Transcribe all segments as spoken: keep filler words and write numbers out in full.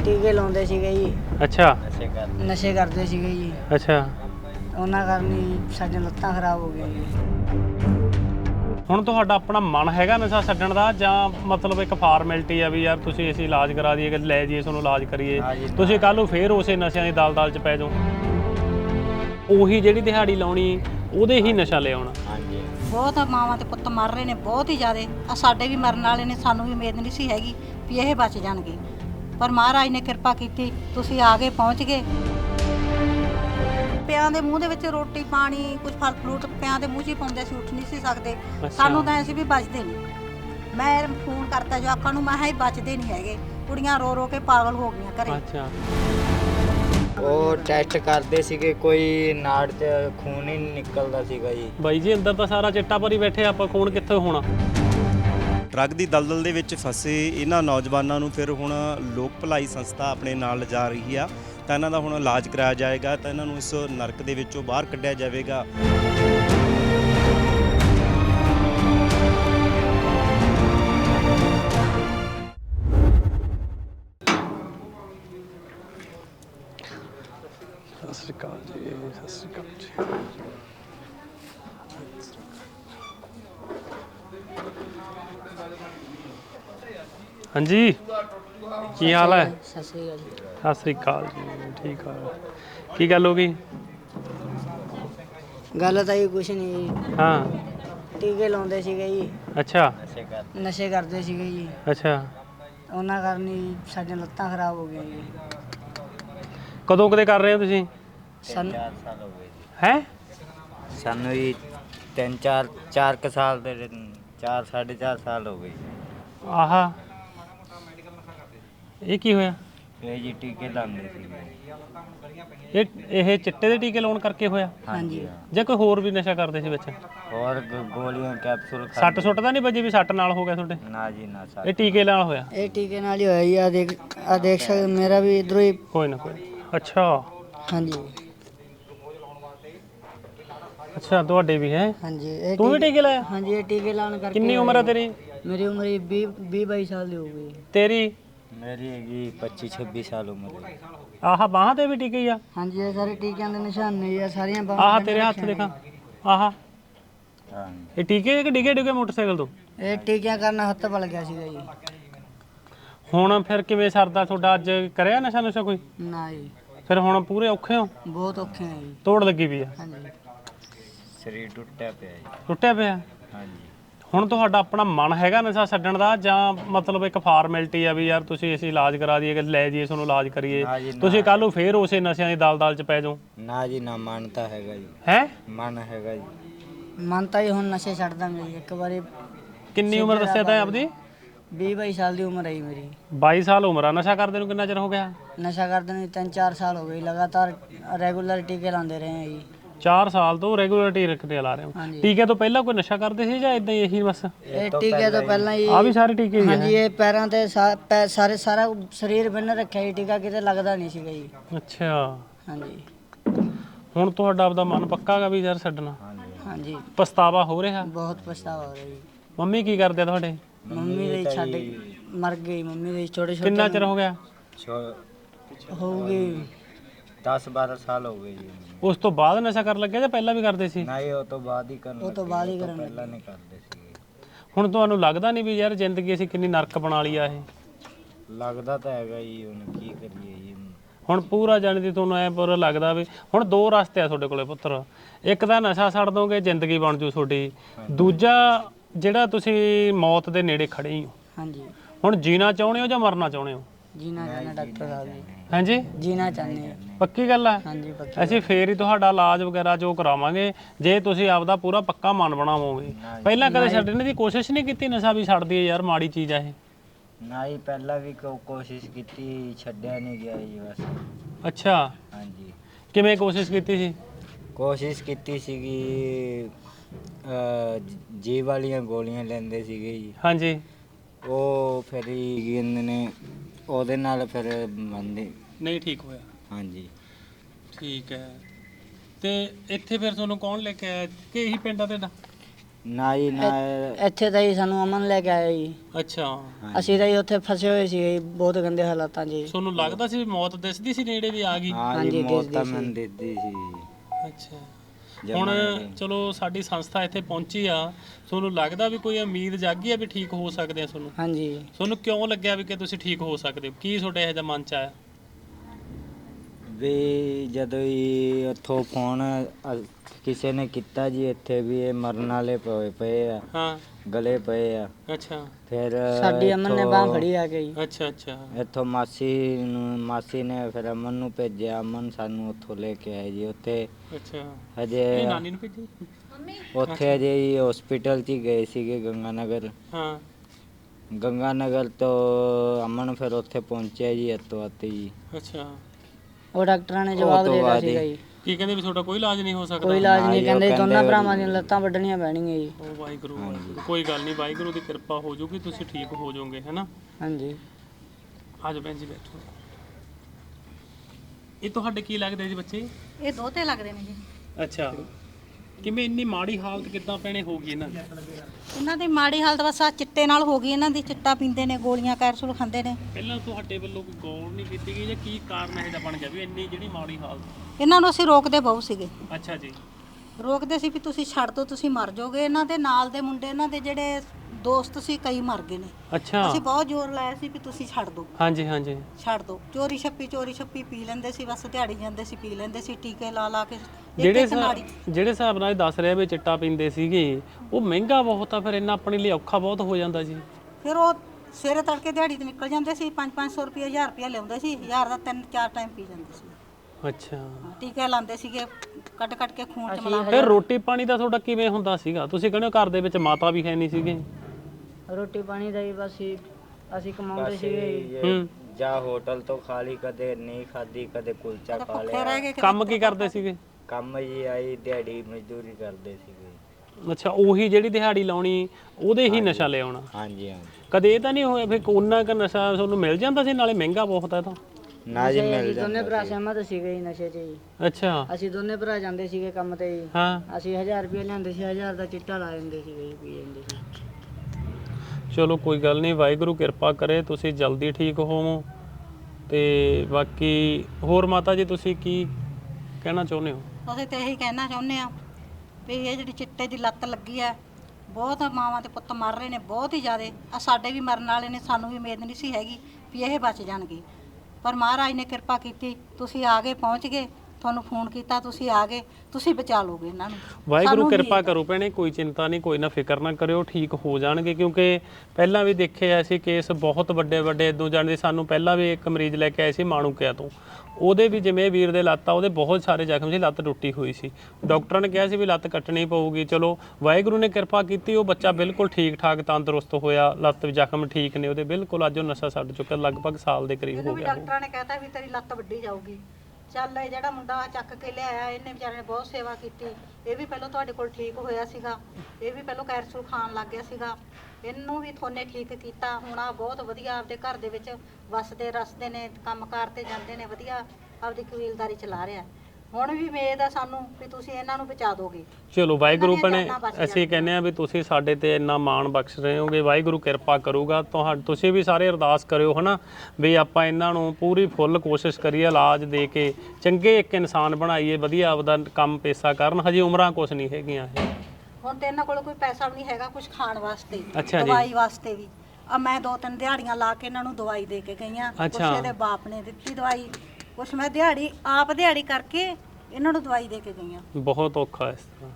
ਟੀਕੇ ਲਾਉਂਦੇ ਸੀਗੇ ਜੀ। ਅੱਛਾ ਨਸ਼ੇ ਕਰਦੇ ਸੀਗੇ ਜੀ। ਅੱਛਾ ਉਹਨਾਂ ਕਾਰਨ ਹੀ ਸਾਡੀਆਂ ਲੱਤਾਂ ਖਰਾਬ ਹੋ ਗਈਆਂ ਜੀ। ਹੁਣ ਤੁਹਾਡਾ ਆਪਣਾ ਮਨ ਹੈਗਾ ਨਸ਼ਾ ਛੱਡਣ ਦਾ ਜਾਂ ਮਤਲਬ ਇੱਕ ਫਾਰਮੈਲਿਟੀ ਆ ਵੀ ਯਾਰ ਤੁਸੀਂ ਅਸੀਂ ਇਲਾਜ ਕਰਾ ਦਈਏ ਕਿ ਲੈ ਜਾਈਏ ਤੁਹਾਨੂੰ ਇਲਾਜ ਕਰੀਏ ਤੁਸੀਂ ਕੱਲ੍ਹ ਨੂੰ ਫੇਰ ਉਸੇ ਨਸ਼ਿਆਂ ਦੀ ਦਲਦਲ 'ਚ ਪੈ ਜਾਓ ਉਹੀ ਜਿਹੜੀ ਦਿਹਾੜੀ ਲਾਉਣੀ ਉਹਦੇ ਹੀ ਨਸ਼ਾ ਲਿਆਉਣਾ। ਬਹੁਤ ਮਾਵਾਂ ਤੇ ਪੁੱਤ ਮਰ ਰਹੇ ਨੇ ਬਹੁਤ ਹੀ ਜ਼ਿਆਦੇ ਆ ਸਾਡੇ ਵੀ ਮਰਨ ਵਾਲੇ ਨੇ ਸਾਨੂੰ ਵੀ ਉਮੀਦ ਨਹੀਂ ਸੀ ਹੈਗੀ ਵੀ ਇਹ ਬਚ ਜਾਣਗੇ ਪਰ ਮਹਾਰਾਜ ਨੇ ਕਿਰਪਾ ਕੀਤੀ ਤੁਸੀਂ ਆ ਗਏ ਪਹੁੰਚ ਗਏ। ਪਿਆਂ ਦੇ ਮੂੰਹ ਦੇ ਵਿੱਚ ਰੋਟੀ ਪਾਣੀ ਕੁਝ ਫਲ ਫਰੂਟ ਪਿਆਂ ਦੇ ਮੂੰਹ 'ਚ ਹੀ ਪਾਉਂਦੇ ਸੀ ਉੱਠ ਨਹੀਂ ਸੀ ਸਕਦੇ ਸਾਨੂੰ ਤਾਂ ਐਸੀ ਵੀ ਬਚਦੇ ਨਹੀਂ। ਮੈਂ ਫੋਨ ਕਰਤਾ ਜਵਾਕਾਂ ਨੂੰ ਮੈਂ ਕਿਹਾ ਬਚਦੇ ਨਹੀਂ ਹੈਗੇ ਕੁੜੀਆਂ ਰੋ ਰੋ ਕੇ ਪਾਗਲ ਹੋ ਗਈਆਂ ਘਰੇ। ਅੱਛਾ ਉਹ ਟੈਸਟ ਕਰਦੇ ਸੀਗੇ ਕੋਈ ਨਾੜ 'ਚ ਖੂਨ ਹੀ ਨਹੀਂ ਨਿਕਲਦਾ ਸੀਗਾ ਜੀ। ਬਾਈ ਜੀ ਅੰਦਰ ਤਾਂ ਸਾਰਾ ਚਿੱਟਾ ਭਰੀ ਬੈਠੇ ਆਪਾਂ ਖੂਨ ਕਿੱਥੋਂ ਹੋਣਾ। ਡਰੱਗ ਦੀ ਦਲਦਲ ਦੇ ਵਿੱਚ ਫਸੇ ਇਹਨਾਂ ਨੌਜਵਾਨਾਂ ਨੂੰ ਫਿਰ ਹੁਣ ਲੋਕ ਭਲਾਈ ਸੰਸਥਾ ਆਪਣੇ ਨਾਲ ਲਿਜਾ ਰਹੀ ਆ ਤਾਂ ਇਹਨਾਂ ਦਾ ਹੁਣ ਇਲਾਜ ਕਰਾਇਆ ਜਾਏਗਾ ਤਾਂ ਇਹਨਾਂ ਨੂੰ ਇਸ ਨਰਕ ਦੇ ਵਿੱਚੋਂ ਬਾਹਰ ਕੱਢਿਆ ਜਾਵੇਗਾ। ਸਤਿ ਸ਼੍ਰੀ ਅਕਾਲ ਜੀ ਸਤਿ ਸ਼੍ਰੀ ਅਕਾਲ ਜੀ। ਹਾਂਜੀ ਕੀ ਹਾਲ ਹੈ? ਸਤਿ ਸ਼੍ਰੀ ਅਕਾਲ ਜੀ। ਸਤਿ ਸ਼੍ਰੀ ਅਕਾਲ ਜੀ ਠੀਕ ਆ। ਕੀ ਗੱਲ ਹੋ ਗਈ? ਗੱਲ ਤਾਂ ਇਹ ਕੁਛ ਨਹੀਂ ਜੀ। ਹਾਂ ਟੀਕੇ ਲਾਉਂਦੇ ਸੀਗੇ ਜੀ। ਅੱਛਾ ਨਸ਼ੇ ਕਰਦੇ ਸੀਗੇ ਜੀ। ਅੱਛਾ ਉਹਨਾਂ ਕਾਰਨ ਹੀ ਸਾਡੀਆਂ ਲੱਤਾਂ ਖਰਾਬ ਹੋ ਗਈਆਂ ਜੀ। ਕਦੋਂ ਕਦੇ ਕਰ ਰਹੇ ਹੋ ਤੁਸੀਂ? ਸਾਨੂੰ ਚਾਰ ਸਾਲ ਹੋ ਗਏ ਜੀ ਹੈ ਸਾਨੂੰ ਜੀ ਤਿੰਨ ਚਾਰ ਚਾਰ ਕੁ ਸਾਲ ਦੇ ਚਾਰ ਸਾਢੇ ਚਾਰ ਸਾਲ ਹੋ ਗਏ। ਆਹਾ ਇਹ ਕੀ ਹੋਇਆ? ਇਹ ਜੀ ਟੀਕੇ ਲਾਉਂਦੇ ਸੀਗੇ। ਇਹ ਇਹ ਚਿੱਟੇ ਦੇ ਟੀਕੇ ਲਾਉਣ ਕਰਕੇ ਹੋਇਆ ਹਾਂਜੀ। ਜਾਂ ਕੋਈ ਹੋਰ ਵੀ ਨਸ਼ਾ ਕਰਦੇ ਸੀ ਵਿੱਚ? ਹੋਰ ਗ- ਗੋਲੀਆਂ ਕੈਪਸੂਲ ਖਾ ਸੱਟ ਸੁੱਟ ਤਾਂ ਨਹੀਂ ਵੱਜੀ ਵੀ ਸੱਟ ਨਾਲ ਹੋ ਗਿਆ ਤੁਹਾਡੇ? ਨਾ ਜੀ ਨਾ ਸਰ ਇਹ ਟੀਕੇ ਨਾਲ ਹੋਇਆ? ਇਹ ਟੀਕੇ ਨਾਲ ਹੀ ਹੋਇਆ ਜੀ। ਆ ਦੇਖ ਆ ਦੇਖ ਸਕਦੇ ਮੇਰਾ ਵੀ ਇਧਰੋਂ ਹੀ। ਕੋਈ ਨਾ ਕੋਈ ਨਾ। ਅੱਛਾ ਹਾਂਜੀ ਅੱਛਾ ਤੁਹਾਡੇ ਵੀ ਹੈ? ਹਾਂਜੀ ਇਹ ਤੂੰ ਵੀ ਟੀਕੇ ਲਾਇਆ? ਹਾਂਜੀ ਇਹ ਟੀਕੇ ਲਾਉਣ ਕਰਕੇ ਕਿੰਨੀ ਉਮਰ ਹੈ ਤੇਰੀ? ਮੇਰੀ ਉਮਰ ਵੀਹ ਵੀਹ ਬਾਈ ਸਾਲ ਦੀ ਹੋ ਗਈ। ਤੇਰੀ? ਮੇਰੀ ਹੈਗੀ ਪੱਚੀ ਛੱਬੀ ਸਾਲ ਉਮਰ ਹੈ। ਆਹ ਬਾਹਾਂ ਤੇ ਵੀ ਟੀਕੇ ਹੀ ਆ? ਹਾਂਜੀ ਇਹ ਸਾਰੇ ਟੀਕਿਆਂ ਦੇ ਨਿਸ਼ਾਨ ਨੇ ਆ ਸਾਰੀਆਂ ਬਾਹਾਂ ਆਹ ਤੇਰੇ ਹੱਥ ਦੇਖਾਂ ਆਹ ਹਾਂ ਇਹ ਟੀਕੇ ਕਿ ਡਿੱਗੇ ਡਿੱਗੇ ਮੋਟਰਸਾਈਕਲ ਤੋਂ? ਇਹ ਟੀਕਿਆਂ ਕਰਨ ਹੱਥ ਪਲ ਗਿਆ ਸੀਗਾ ਜੀ। ਹੁਣ ਫਿਰ ਕਿਵੇਂ ਸਰਦਾ ਤੁਹਾਡਾ? ਅੱਜ ਕਰਿਆ ਨਸ਼ਾ ਨੁਸ਼ਾ ਕੋਈ? ਨਾ ਜੀ ਫਿਰ ਹੁਣ ਪੂਰੇ ਔਖੇ ਹੋ? ਬਹੁਤ ਔਖੇ ਆ ਜੀ। ਤੋੜ ਲੱਗੀ ਵੀ ਆ? ਹਾਂਜੀ ਸਰੀਰ ਟੁੱਟਿਆ ਪਿਆ ਜੀ। ਟੁੱਟਿਆ ਪਿਆ? ਹਾਂਜੀ ਹੁਣ ਤੁਹਾਡਾ ਆਪਣਾ ਮਨ ਹੈਗਾ ਨਸ਼ਾ ਛੱਡਣ ਦਾ ਜਾਂ ਮਤਲਬ ਇੱਕ ਫਾਰਮੈਲਿਟੀ ਆ ਵੀ ਯਾਰ ਤੁਸੀਂ ਅਸੀਂ ਇਲਾਜ ਕਰਾ ਦਈਏ ਕਿ ਲੈ ਜਾਈਏ ਤੁਹਾਨੂੰ ਇਲਾਜ ਕਰੀਏ ਨਾ ਜੀ, ਨਾ। ਤੁਸੀਂ ਕੱਲ੍ਹ ਨੂੰ ਫੇਰ ਉਸੇ ਨਸ਼ਿਆਂ ਦੀ ਦਲਦਲ 'ਚ ਪੈ ਜਾਓ? ਨਾ ਜੀ ਨਾ ਮਨ ਤਾਂ ਹੈਗਾ ਜੀ। ਹੈ ਮਨ ਹੈਗਾ ਜੀ। ਮਨ ਤਾਂ ਜੀ ਹੁਣ ਨਸ਼ੇ ਛੱਡ ਦਾਂਗੇ ਜੀ ਇੱਕ ਵਾਰੀ। ਕਿੰਨੀ ਉਮਰ ਦੱਸਿਆ ਤਾਂ ਆਪਦੀ? ਵੀਹ ਬਾਈ ਸਾਲ ਦੀ ਉਮਰ ਹੈ ਜੀ ਮੇਰੀ। ਬਾਈ ਸਾਲ ਉਮਰ ਆ। ਨਸ਼ਾ ਕਰਦੇ ਨੂੰ ਕਿੰਨਾ ਚਿਰ ਹੋ ਗਿਆ? ਨਸ਼ਾ ਕਰਦੇ ਨੂੰ ਤਿੰਨ ਚਾਰ ਸਾਲ ਹੋ ਗਏ ਲਗਾਤਾਰ ਰੈਗੂਲਰ ਟੀਕੇ ਲਾਉਂਦੇ ਰਹੇ ਆ ਜੀ। ਚਾਰ ਸਾਲ ਤੋਂ ਰੈਗੂਲਰਟੀ ਰੱਖਦੇ ਲਾ ਰਹੇ ਹੋ? ਹਾਂਜੀ। ਟੀਕੇ ਤੋਂ ਪਹਿਲਾਂ ਕੋਈ ਨਸ਼ਾ ਕਰਦੇ ਸੀ ਜਾਂ ਇਦਾਂ ਹੀ ਇਹੀ ਬਸ? ਇਹ ਟੀਕੇ ਤੋਂ ਪਹਿਲਾਂ ਹੀ ਆ ਵੀ ਸਾਰੇ ਟੀਕੇ ਹੀ ਹਾਂਜੀ ਆ? ਇਹ ਪੈਰਾਂ ਤੇ ਸਾ- ਪੈ- ਸਾਰੇ ਸਾਰਾ ਸਰੀਰ ਬੰਨ ਰੱਖਿਆ ਜੀ। ਟੀਕਾ ਕਿਤੇ ਲੱਗਦਾ ਨਹੀਂ ਸੀਗਾ ਜੀ। ਅੱਛਾ ਹਾਂਜੀ ਹੁਣ ਤੁਹਾਡਾ ਆਪਦਾ ਮਨ ਪੱਕਾ ਗਾ ਵੀ ਯਾਰ ਛੱਡਣਾ? ਹਾਂਜੀ ਪਛਤਾਵਾ ਹੋ ਰਿਹਾ? ਬਹੁਤ ਪਛਤਾਵਾ ਹੋ ਰਿਹਾ ਜੀ। ਮੰਮੀ ਕੀ ਕਰਦੇ ਆ ਤੁਹਾਡੇ? ਮੰਮੀ ਦੇ ਛੱਡ ਮਰ ਗਈ। ਮੰਮੀ ਦੇ ਛੋਟੇ ਛੋਟੇ ਕਿੰਨਾ ਚਿਰ ਹੋ ਗਿਆ? ਹੋਊਗੀ ਦਸ ਬਾਰਾਂ ਸਾਲ ਹੋ ਗਏ ਜੀ। ਉਸ ਤੋਂ ਬਾਅਦ ਨਸ਼ਾ ਕਰਨ ਲੱਗੇ ਜਾਂ ਪਹਿਲਾਂ ਵੀ ਕਰਦੇ ਸੀ? ਨਹੀਂ ਉਹ ਤੋਂ ਬਾਅਦ ਹੀ ਕਰਨ ਉਹ ਤੋਂ ਬਾਅਦ ਹੀ ਕਰਨ ਪਹਿਲਾਂ ਨਹੀਂ ਕਰਦੇ ਸੀਗੇ। ਹੁਣ ਤੁਹਾਨੂੰ ਲੱਗਦਾ ਨਹੀਂ ਵੀ ਯਾਰ ਜ਼ਿੰਦਗੀ ਅਸੀਂ ਕਿੰਨੀ ਨਰਕ ਬਣਾ ਲਈ ਆ ਇਹ? ਲੱਗਦਾ ਤਾਂ ਹੈਗਾ ਜੀ ਹੁਣ ਕੀ ਕਰੀਏ ਜੀ। ਹੁਣ ਪੂਰਾ ਜਾਣੀ ਦੀ ਤੁਹਾਨੂੰ ਐ ਪੂਰਾ ਲੱਗਦਾ ਵੀ ਹੁਣ ਦੋ ਰਸਤੇ ਆ ਤੁਹਾਡੇ ਕੋਲੇ ਪੁੱਤਰ। ਇੱਕ ਤਾਂ ਨਸ਼ਾ ਛੱਡ ਦੋਗੇ ਜ਼ਿੰਦਗੀ ਬਣ ਜੂ ਤੁਹਾਡੀ। ਦੂਜਾ ਜਿਹੜਾ ਤੁਸੀਂ ਮੌਤ ਦੇ ਨੇੜੇ ਖੜੇ ਹੀ ਹੋ। ਹਾਂਜੀ ਹੁਣ ਜੀਣਾ ਚਾਹੁੰਦੇ ਹੋ ਜਾਂ ਮਰਨਾ ਚਾਹੁੰਦੇ ਹੋ? ਜੀਣਾ ਚਾਹੁੰਦੇ ਡਾਕਟਰ ਸਾਹਿਬ ਜੀ। ਹਾਂਜੀ ਜੀਣਾ ਚਾਹੁੰਦੇ ਆ। ਪੱਕੀ ਗੱਲ ਆ? ਹਾਂਜੀ ਪੱਕੀ। ਅਸੀਂ ਫੇਰ ਹੀ ਤੁਹਾਡਾ ਇਲਾਜ ਵਗੈਰਾ ਜੋ ਕਰਾਵਾਂਗੇ ਜੇ ਤੁਸੀਂ ਆਪਦਾ ਪੂਰਾ ਪੱਕਾ ਮਨ ਬਣਾਵੋਗੇ। ਪਹਿਲਾਂ ਕਦੇ ਛੱਡਣ ਦੀ ਕੋਸ਼ਿਸ਼ ਨਹੀਂ ਕੀਤੀ ਨਸ਼ਾ ਵੀ ਛੱਡ ਦਈਏ ਯਾਰ ਮਾੜੀ ਚੀਜ਼ ਆ ਇਹ? ਨਾ ਹੀ ਪਹਿਲਾਂ ਵੀ ਕੋ- ਕੋਸ਼ਿਸ਼ ਕੀਤੀ ਛੱਡਿਆ ਨਹੀਂ ਗਿਆ ਜੀ ਬਸ। ਅੱਛਾ ਹਾਂਜੀ ਕਿਵੇਂ ਕੋਸ਼ਿਸ਼ ਕੀਤੀ ਸੀ? ਕੋਸ਼ਿਸ਼ ਕੀਤੀ ਸੀਗੀ ਅਹ, ਜ- ਜੀ ਵਾਲੀਆਂ ਗੋਲੀਆਂ ਲੈਂਦੇ ਸੀਗੇ ਜੀ। ਹਾਂਜੀ ਉਹ ਫਿਰ ਹੀ ਕੀ ਕਹਿੰਦੇ ਨੇ ਉਹਦੇ ਨਾਲ ਫਿਰ ਬੰਦੇ। ਨਹੀਂ ਠੀਕ ਹੋਇਆ? ਹਾਂਜੀ ਠੀਕ ਹੈ। ਤੇ ਇੱਥੇ ਫਿਰ ਤੁਹਾਨੂੰ ਕੌਣ ਲੈ ਕੇ ਆਇਆ ਕਿ ਇਹੀ ਪਿੰਡ ਆ ਤੁਹਾਡਾ? ਨਾ ਜੀ ਨਾ ਇੱਥੇ ਤਾਂ ਜੀ ਸਾਨੂੰ ਅਮਨ ਲੈ ਕੇ ਆਇਆ ਜੀ। ਅੱਛਾ, ਅਸੀਂ ਤਾਂ ਜੀ ਉੱਥੇ ਫਸੇ ਹੋਏ ਸੀ ਜੀ, ਬਹੁਤ ਗੰਦੇ ਹਾਲਾਤਾਂ 'ਚ ਜੀ। ਤੁਹਾਨੂੰ ਲੱਗਦਾ ਸੀ ਵੀ ਮੌਤ ਦਿਸਦੀ ਸੀ ਨੇੜੇ ਵੀ ਆ ਗਈ? ਹਾਂ ਹਾਂਜੀ, ਜੀ ਮੌਤ ਦਿਸਦੀ ਤਾਂ ਸੀ। ਮੈਨੂੰ ਦਿੱਤੀ ਸੀ ਅੱਛਾ, ਜਮਾਂ ਹੁਣ ਨੇੜੇ। ਚਲੋ ਸਾਡੀ ਸੰਸਥਾ ਇੱਥੇ ਪਹੁੰਚੀ ਆ, ਤੁਹਾਨੂੰ ਲੱਗਦਾ ਵੀ ਕੋਈ ਉਮੀਦ ਜਾਗੀ ਆ ਵੀ ਠੀਕ ਹੋ ਸਕਦੇ ਆ ਤੁਹਾਨੂੰ? ਹਾਂਜੀ। ਤੁਹਾਨੂੰ ਕਿਉਂ ਲੱਗਿਆ ਵੀ ਕਿ ਤੁਸੀਂ ਠੀਕ ਹੋ ਸਕਦੇ ਹੋ? ਕੀ ਤੁਹਾਡੇ ਇਹੋ ਜਿਹਾ ਮਨ ਚ ਆਇਆ? ਵੀ ਜਦੋਂ ਹੀ ਉੱਥੋਂ ਫੋਨ ਅ- ਕਿਸੇ ਨੇ ਕੀਤਾ ਜੀ ਇੱਥੇ ਵੀ ਇਹ ਮਰਨ ਵਾਲੇ ਪਏ ਪਏ ਆ, ਹਾਂ, ਗਲੇ ਪਏ ਆ। ਅੱਛਾ ਫਿਰ ਸਾਡੀ ਅਮਨ ਨੇ ਇੱਥੋਂ- ਬਾਂਹ ਫੜੀ ਆ ਕੇ ਜੀ। ਅੱਛਾ ਅੱਛਾ ਇੱਥੋਂ ਮਾਸੀ ਨੂੰ ਮਾਸੀ ਨੇ ਫਿਰ ਅਮਨ ਨੂੰ ਭੇਜਿਆ, ਅਮਨ ਸਾਨੂੰ ਉੱਥੋਂ ਲੈ ਕੇ ਆਏ ਜੀ। ਉੱਥੇ ਅੱਛਾ, ਹਜੇ ਇਹ ਨਾਨੀ ਨੂੰ ਭੇਜੀ? ਉੱਥੇ ਹਜੇ ਹੀ ਹਸਪੀਟਲ 'ਚ ਹੀ ਗਏ ਸੀਗੇ ਗੰਗਾ ਨਗਰ। ਹਾਂ, ਗੰਗਾ ਨਗਰ ਤੋਂ ਅਮਨ ਫਿਰ ਉੱਥੇ ਪਹੁੰਚਿਆ ਜੀ ਇੱਥੋਂ ਆਤੇ ਜੀ। ਅੱਛਾ, ਉਹ ਡਾਕਟਰਾਂ ਨੇ ਉਹ ਜਵਾਬ ਤੋਂ ਦੇ ਦਿੱਤਾ ਬਾਅਦ ਸੀਗਾ ਹੀ- ਜੀ, ਕੀ ਕਹਿੰਦੇ ਵੀ ਤੁਹਾਡਾ ਕੋਈ ਇਲਾਜ ਨਹੀਂ ਹੋ ਸਕਦਾ? ਕੋਈ ਇਲਾਜ ਨਾ ਨਹੀਂ, ਜੀ, ਉਹ ਕਹਿੰਦੇ ਦੋਨਾਂ ਕਹਿੰਦੇ ਭਰਾਵਾਂ ਦੀਆਂ ਲੱਤਾਂ ਵੱਢਣੀਆਂ ਪੈਣਗੀਆਂ ਜੀ। ਉਹ ਵਾਹਿਗੁਰੂ ਵਾਹਿਗੁਰੂ, ਕੋਈ ਗੱਲ ਨਹੀਂ, ਵਾਹਿਗੁਰੂ ਦੀ ਕਿਰਪਾ ਹੋ ਜਾਊਗੀ, ਤੁਸੀਂ ਠੀਕ ਹੋ ਜਾਓਗੇ, ਹੈਨਾ? ਹਾਂਜੀ। ਆਜੋ ਭੈਣ ਜੀ ਬੈਠੋ। ਇਹ ਤੁਹਾਡੇ ਕੀ ਲੱਗਦੇ ਜੀ ਬੱਚੇ? ਇਹ ਦੋਤੇ ਲੱਗਦੇ ਨੇ ਜੀ। ਅੱਛਾ, ਕਿਵੇਂ ਇੰਨੀ ਮਾੜੀ ਹਾਲਤ ਕਿੱਦਾਂ ਪੈਣੇ ਹੋ ਗਈ ਇਹਨਾਂ ਦੀ? ਇਹਨਾਂ ਦੀ ਮਾੜੀ ਹਾਲਤ ਬਸ ਆ ਚਿੱਟੇ ਨਾਲ ਹੋ ਗਈ ਇਹਨਾਂ ਦੀ। ਚਿੱਟਾ ਪੀਂਦੇ ਨੇ, ਗੋਲੀਆਂ ਕੈਪਸੂਲ ਖਾਂਦੇ ਨੇ। ਪਹਿਲਾਂ ਤੁਹਾਡੇ ਵੱਲੋਂ ਕੋਈ ਗੌਰ ਨਹੀਂ ਕੀਤੀ ਗਈ ਜਾਂ ਕੀ ਕਾਰਨ ਇਹਦਾ ਬਣ ਗਿਆ ਵੀ ਇੰਨੀ ਜਿਹੜੀ ਮਾੜੀ ਹਾਲਤ? ਇਹਨਾਂ ਨੂੰ ਅਸੀਂ ਰੋਕਦੇ ਬਹੁਤ ਸੀਗੇ, ਅੱਛਾ ਜੀ, ਰੋਕਦੇ ਸੀ ਵੀ ਤੁਸੀਂ ਛੱਡ ਦਿਓ, ਤੁਸੀਂ ਮਰ ਜਾਓਗੇ। ਇਹਨਾਂ ਦੇ ਨਾਲ ਦੇ ਮੁੰਡੇ, ਇਹਨਾਂ ਦੇ ਜਿਹੜੇ ਦੋਸਤ ਸੀ, ਕਈ ਮਰ ਗਏ ਨੇ। ਅੱਛਾ, ਅਸੀਂ ਬਹੁਤ ਜ਼ੋਰ ਲਾਇਆ ਸੀ ਵੀ ਤੁਸੀਂ ਛੱਡ ਦਿਓ, ਹਾਂਜੀ ਹਾਂਜੀ, ਛੱਡ ਦਿਓ। ਚੋਰੀ ਛੱਪੀ ਚੋਰੀ ਛੱਪੀ ਪੀ ਲੈਂਦੇ ਸੀ, ਬਸ ਦਿਹਾੜੀ ਜਾਂਦੇ ਸੀ, ਪੀ ਲੈਂਦੇ ਸੀ, ਟੀਕੇ ਲਾ ਲਾ ਕੇ। ਇੱਕ ਜਿਹੜੇ ਇੱਕ ਨਾੜੀ ਹਿਸਾਬ- ਜਿਹੜੇ ਹਿਸਾਬ ਨਾਲ ਇਹ ਦੱਸ ਰਿਹਾ ਵੀ ਚਿੱਟਾ ਪੀਂਦੇ ਸੀਗੇ, ਉਹ ਮਹਿੰਗਾ ਬਹੁਤ ਆ, ਫਿਰ ਇੰਨਾ ਆਪਣੇ ਲਈ ਔਖਾ ਬਹੁਤ ਹੋ ਜਾਂਦਾ ਜੀ। ਫਿਰ ਉਹ ਸਵੇਰੇ ਤੜਕੇ ਦਿਹਾੜੀ ਤੇ ਨਿਕਲ ਜਾਂਦੇ ਸੀ, ਪੰਜ ਪੰਜ ਸੌ ਰੁਪਏ ਹਜ਼ਾਰ ਰੁਪਏ ਲਿਆਉਂਦੇ ਸੀ, ਹਜ਼ਾਰ ਦਾ ਤਿੰਨ ਚਾਰ ਟਾਈਮ ਪੀ ਜਾਂਦੇ ਸੀ। ਅੱਛਾ, ਹਾਂ, ਟੀਕੇ ਲਾਉਂਦੇ ਸੀਗੇ, ਕੱਟ ਕੱਟ ਕੇ ਖੂਨ ਚ ਮਿਲਾ। ਫਿਰ ਰੋਟੀ ਪਾਣੀ ਦਾ ਤੁਹਾਡਾ ਕਿਵੇਂ ਹੁੰਦਾ ਸੀਗਾ? ਤੁਸੀਂ ਕਹਿੰਦੇ ਹੋ ਘਰ ਦੇ ਵਿੱਚ ਮਾਤਾ ਵੀ ਹੈ ਨਹੀਂ ਸੀਗੇ। ਰੋਟੀ ਪਾਣੀ ਦਾ ਹੀ ਬਸ ਹੀ ਅਸੀਂ ਕਮਾਉਂਦੇ ਬਸ ਸੀਗੇ ਜੀ। ਇਹ ਹੂੰ, ਜਾਂ ਹੋਟਲ ਤੋਂ ਖਾ ਲਈ, ਕਦੇ ਨਹੀਂ ਖਾਦੀ, ਕਦੇ ਕੁਲਚਾ ਖਾ ਭੁੱਖੇ ਲਿਆ। ਰਹਿ ਗਏ ਕਿਤੇ। ਕੰਮ ਕੀ ਕਰਦੇ ਸੀਗੇ? ਕੰਮ ਜੀ ਆਈ ਦਿਹਾੜੀ ਮਜ਼ਦੂਰੀ ਕਰਦੇ ਸੀਗੇ। ਅੱਛਾ, ਉਹੀ ਜਿਹੜੀ ਦਿਹਾੜੀ ਲਾਉਣੀ, ਉਹਦੇ ਹੀ ਨਸ਼ਾ ਲੈ ਆਉਣਾ। ਹਾਂਜੀ ਹਾਂਜੀ। ਕਦੇ ਇਹ ਤਾਂ ਨਹੀਂ ਹੋਇਆ ਫਿਰ ਉਹਨਾਂ ਦਾ ਨਸ਼ਾ ਤੁਹਾਨੂੰ ਮਿਲ ਜਾਂਦਾ ਸੀ, ਨਾਲੇ ਮਹਿੰਗਾ ਬਹੁਤ ਹੈ ਤਾਂ? ਨਾ ਜੀ ਅਸੀਂ ਮਿਲ ਦੋਨੇ ਜਾਂਦਾ ਭਰਾ ਸੀ। ਸਹਿਮਤ ਸੀਗੇ ਜੀ ਨਸ਼ੇ 'ਚ ਜੀ। ਅੱਛਾ, ਅਸੀਂ ਦੋਨੇ ਭਰਾ ਜਾਂਦੇ ਸੀਗੇ ਕੰਮ ਤੇ ਜੀ। ਹਾਂ, ਅਸੀਂ ਹਜ਼ਾਰ ਰੁਪਏ ਲਿਆਂਦੇ ਸੀ, ਹਜ਼ਾਰ ਦਾ ਚਿੱਟਾ ਲਾ ਦਿੰਦੇ ਸੀਗੇ ਜੀ, ਪੀ ਜਾਂਦੇ ਸੀ। ਚਲੋ ਕੋਈ ਗੱਲ ਨਹੀਂ, ਵਾਹਿਗੁਰੂ ਕਿਰਪਾ ਕਰੇ ਤੁਸੀਂ ਜਲਦੀ ਠੀਕ ਹੋਵੋ। ਤੇ ਬਾਕੀ ਹੋਰ ਮਾਤਾ ਜੀ ਤੁਸੀਂ ਕੀ ਕਹਿਣਾ ਚਾਹੁੰਦੇ ਹੋ? ਅਸੀਂ ਤੇ ਇਹੀ ਕਹਿਣਾ ਚਾਹੁੰਦੇ ਆ ਵੀ ਇਹ ਜਿਹੜੀ ਚਿੱਟੇ ਦੀ ਲੱਤ ਲੱਗੀ ਆ, ਬਹੁਤ ਮਾਵਾਂ ਤੇ ਪੁੱਤ ਮਰ ਰਹੇ ਨੇ, ਬਹੁਤ ਹੀ ਜ਼ਿਆਦੇ। ਆ ਸਾਡੇ ਵੀ ਮਰਨ ਵਾਲੇ ਨੇ, ਸਾਨੂੰ ਵੀ ਉਮੀਦ ਨਹੀਂ ਸੀ ਹੈਗੀ ਵੀ ਇਹ ਬਚ ਜਾਣਗੇ, ਪਰ ਮਹਾਰਾਜ ਨੇ ਕਿਰਪਾ ਕੀਤੀ, ਤੁਸੀਂ ਆ ਗਏ, ਪਹੁੰਚ ਗਏ, ਤੁਹਾਨੂੰ ਫੋਨ ਕੀਤਾ, ਤੁਸੀਂ ਆ ਗਏ, ਤੁਸੀਂ ਬਚਾ ਲੋਗੇ ਇਹਨਾਂ ਨੂੰ। ਵਾਹਿਗੁਰੂ ਸਾਨੂੰ ਕਿਰਪਾ ਉਮੀਦ ਆ। ਕਰੋ ਭੈਣੇ, ਕੋਈ ਚਿੰਤਾ ਨਹੀਂ, ਕੋਈ ਨਾ ਫਿਕਰ ਨਾ ਕਰਿਓ, ਠੀਕ ਹੋ ਜਾਣਗੇ। ਕਿਉਂਕਿ ਪਹਿਲਾਂ ਵੀ ਦੇਖੇ ਐਸੇ ਕੇਸ ਬਹੁਤ ਵੱਡੇ ਵੱਡੇ ਇਦੋਂ ਜਾਣਦੇ। ਸਾਨੂੰ ਪਹਿਲਾਂ ਵੀ ਇੱਕ ਮਰੀਜ਼ ਲੈ ਕੇ ਆਏ ਸੀ ਮਾਣੂਕਿਆ ਤੋਂ, ਉਹਦੇ ਵੀ ਜਿਵੇਂ ਵੀਰ ਦੇ ਲੱਤ ਆ, ਉਹਦੇ ਬਹੁਤ ਸਾਰੇ ਜ਼ਖਮ ਸੀ, ਲੱਤ ਟੁੱਟੀ ਹੋਈ ਸੀ। ਡਾਕਟਰਾਂ ਨੇ ਕਿਹਾ ਸੀ ਵੀ ਲੱਤ ਕੱਟਣੀ ਪਊਗੀ। ਚਲੋ ਵਾਹਿਗੁਰੂ ਨੇ ਕਿਰਪਾ ਕੀਤੀ, ਉਹ ਬੱਚਾ ਬਿਲਕੁਲ ਠੀਕ ਠਾਕ ਤੰਦਰੁਸਤ ਹੋਇਆ, ਲੱਤ ਵੀ ਜ਼ਖਮ ਠੀਕ ਨੇ ਉਹਦੇ ਬਿਲਕੁਲ। ਅੱਜ ਉਹ ਨਸ਼ਾ ਛੱਡ ਚੁੱਕਾ, ਲਗਭਗ ਸਾਲ ਦੇ ਕਰੀਬ ਹੋ ਇਹਨੂੰ ਵੀ ਗਿਆ ਉਹ। ਡਾਕਟਰਾਂ ਨੇ ਕਹਿਤਾ ਵੀ ਤੇਰੀ ਲੱਤ ਵੱਡੀ ਜਾਊਗੀ। ਚੱਲ ਇਹ ਜਿਹੜਾ ਮੁੰਡਾ ਚੱਕ ਕੇ ਲਿਆਇਆ, ਇਹਨੇ ਵਿਚਾਰੇ ਨੇ ਬਹੁਤ ਸੇਵਾ ਕੀਤੀ। ਇਹ ਵੀ ਪਹਿਲਾਂ ਤੁਹਾਡੇ ਕੋਲ ਠੀਕ ਹੋਇਆ ਸੀਗਾ, ਇਹ ਵੀ ਪਹਿਲਾਂ ਕੈਪਸੂਲ ਖਾਣ ਲੱਗ ਗਿਆ ਸੀਗਾ, ਇਹਨੂੰ ਵੀ ਥੋਨੇ ਠੀਕ ਕੀਤਾ। ਹੁਣ ਆ ਬਹੁਤ ਵਧੀਆ ਆਪਦੇ ਘਰ ਦੇ ਵਿੱਚ ਵਸਦੇ ਰਸਦੇ ਨੇ, ਕੰਮਕਾਰ ਤੇ ਜਾਂਦੇ ਨੇ, ਵਧੀਆ ਆਪਦੀ ਕਬੀਲਦਾਰੀ ਚਲਾ ਰਿਹਾ। ਹੁਣ ਵੀ ਉਮੀਦ ਆ ਸਾਨੂੰ ਵੀ ਤੁਸੀਂ ਇਹਨਾਂ ਨੂੰ ਬਚਾ ਦੋਗੇ। ਚਲੋ ਵਾਹਿਗੁਰੂ ਇਹਨਾਂ ਦੀਆਂ ਭੈਣੇ, ਜਾਨਾਂ ਬਚ ਅਸੀਂ ਜਾਣਗੀਆਂ। ਕਹਿੰਦੇ ਆ ਵੀ ਤੁਸੀਂ ਸਾਡੇ ਤੇ ਇੰਨਾ ਮਾਣ ਬਖਸ਼ ਰਹੇ ਹੋਗੇ, ਵਾਹਿਗੁਰੂ ਕਿਰਪਾ ਕਰੂਗਾ। ਤੁਹਾਡੇ ਤੁਸੀਂ ਵੀ ਸਾਰੇ ਅਰਦਾਸ ਕਰਿਓ ਹਨਾ, ਵੀ ਆਪਾਂ ਇਹਨਾਂ ਨੂੰ ਪੂਰੀ ਫੁੱਲ ਕੋਸ਼ਿਸ਼ ਕਰੀਏ, ਇਲਾਜ ਦੇ ਕੇ ਚੰਗੇ ਇੱਕ ਇਨਸਾਨ ਬਣਾਈਏ, ਵਧੀਆ ਆਪਦਾ ਕੰਮ ਪੇਸ਼ਾ ਕਰਨ। ਹਜੇ ਉਮਰਾਂ ਕੁਛ ਨਹੀਂ ਹੈਗੀਆਂ ਇਹ। ਹੁਣ ਤੇ ਇਹਨਾਂ ਕੋਲ ਕੋਈ ਪੈਸਾ ਵੀ ਨਹੀਂ ਹੈਗਾ ਕੁਝ ਖਾਣ ਵਾਸਤੇ, ਅੱਛਾ ਜੀ। ਦਵਾਈ ਵਾਸਤੇ ਵੀ। ਆ ਮੈਂ ਦੋ ਤਿੰਨ ਦਿਹਾੜੀਆਂ ਲਾ ਕੇ ਇਹਨਾਂ ਨੂੰ ਦਵਾਈ ਦੇ ਕੇ ਗਈਆਂ, ਕੁਛ ਅੱਛਾ। ਇਹਦੇ ਬਾਪ ਨੇ ਦਿੱਤੀ ਦਵਾਈ, ਕੁਛ ਮੈਂ ਦਿਹਾੜੀ ਆਪ ਦਿਹਾੜੀ ਕਰਕੇ ਇਹਨਾਂ ਨੂੰ ਦਵਾਈ ਦੇ ਕੇ ਗਈਆਂ, ਬਹੁਤ ਔਖਾ ਇਸ ਤਰ੍ਹਾਂ।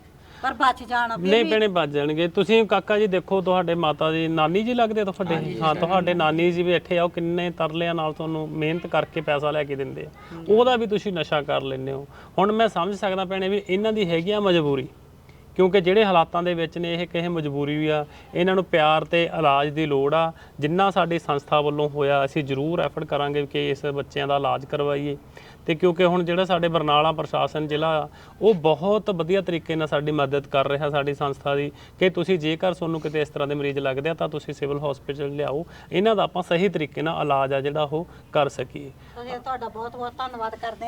ਪਰ ਬਚ ਜਾਣ। ਫਿਰ ਨਹੀਂ ਵੀ ਭੈਣੇ ਬਚ ਜਾਣਗੇ। ਤੁਸੀਂ ਕਾਕਾ ਜੀ ਦੇਖੋ, ਤੁਹਾਡੇ ਮਾਤਾ ਜੀ ਨਾਨੀ ਜੀ ਲੱਗਦੇ ਤੁਹਾਡੇ? ਹਾਂ, ਤੁਹਾਡੇ ਨਾਨੀ ਜੀ ਵੀ ਇੱਥੇ ਆਓ, ਕਿੰਨੇ ਤਰਲਿਆਂ ਨਾਲ ਤੁਹਾਨੂੰ ਮਿਹਨਤ ਕਰਕੇ ਪੈਸਾ ਲੈ ਕੇ ਦਿੰਦੇ ਆ, ਉਹਦਾ ਵੀ ਤੁਸੀਂ ਨਸ਼ਾ ਕਰ ਲੈਂਦੇ ਹੋ। ਹੁਣ ਮੈਂ ਸਮਝ ਸਕਦਾ ਭੈਣੇ ਵੀ ਇਹਨਾਂ ਦੀ ਹੈਗੀ ਆ ਮਜਬੂਰੀ, ਕਿਉਂਕਿ ਜਿਹੜੇ ਹਾਲਾਤਾਂ ਦੇ ਵਿੱਚ ਨੇ ਇਹ ਕਿਸੇ ਮਜਬੂਰੀ ਵੀ ਆ। ਇਹਨਾਂ ਨੂੰ ਪਿਆਰ ਤੇ ਇਲਾਜ ਦੀ ਲੋੜ ਆ। ਜਿੰਨਾ ਸਾਡੀ ਸੰਸਥਾ ਵੱਲੋਂ ਹੋਇਆ ਅਸੀਂ ਜ਼ਰੂਰ ਐਫਰਟ ਕਰਾਂਗੇ ਕਿ ਇਸ ਬੱਚਿਆਂ ਦਾ ਇਲਾਜ ਕਰਵਾਈਏ। ਤੇ ਕਿਉਂਕਿ ਹੁਣ ਜਿਹੜਾ ਸਾਡੇ ਬਰਨਾਲਾ ਪ੍ਰਸ਼ਾਸਨ ਜ਼ਿਲ੍ਹਾ ਆ, ਉਹ ਬਹੁਤ ਵਧੀਆ ਤਰੀਕੇ ਨਾਲ ਸਾਡੀ ਮਦਦ ਕਰ ਰਿਹਾ ਸਾਡੀ ਸੰਸਥਾ ਦੀ, ਕਿ ਤੁਸੀਂ ਜੇਕਰ ਤੁਹਾਨੂੰ ਕਿਤੇ ਇਸ ਤਰ੍ਹਾਂ ਦੇ ਮਰੀਜ਼ ਲੱਗਦੇ ਆ ਤਾਂ ਤੁਸੀਂ ਸਿਵਲ ਹਸਪੀਟਲ ਲਿਆਓ, ਇਹਨਾਂ ਦਾ ਆਪਾਂ ਸਹੀ ਤਰੀਕੇ ਨਾਲ ਇਲਾਜ ਆ ਜਿਹੜਾ ਉਹ ਕਰ ਸਕੀਏ। ਅਸੀਂ ਤੁਹਾਡਾ ਬਹੁਤ ਬਹੁਤ ਧੰਨਵਾਦ ਕਰਦੇ ਹਾਂ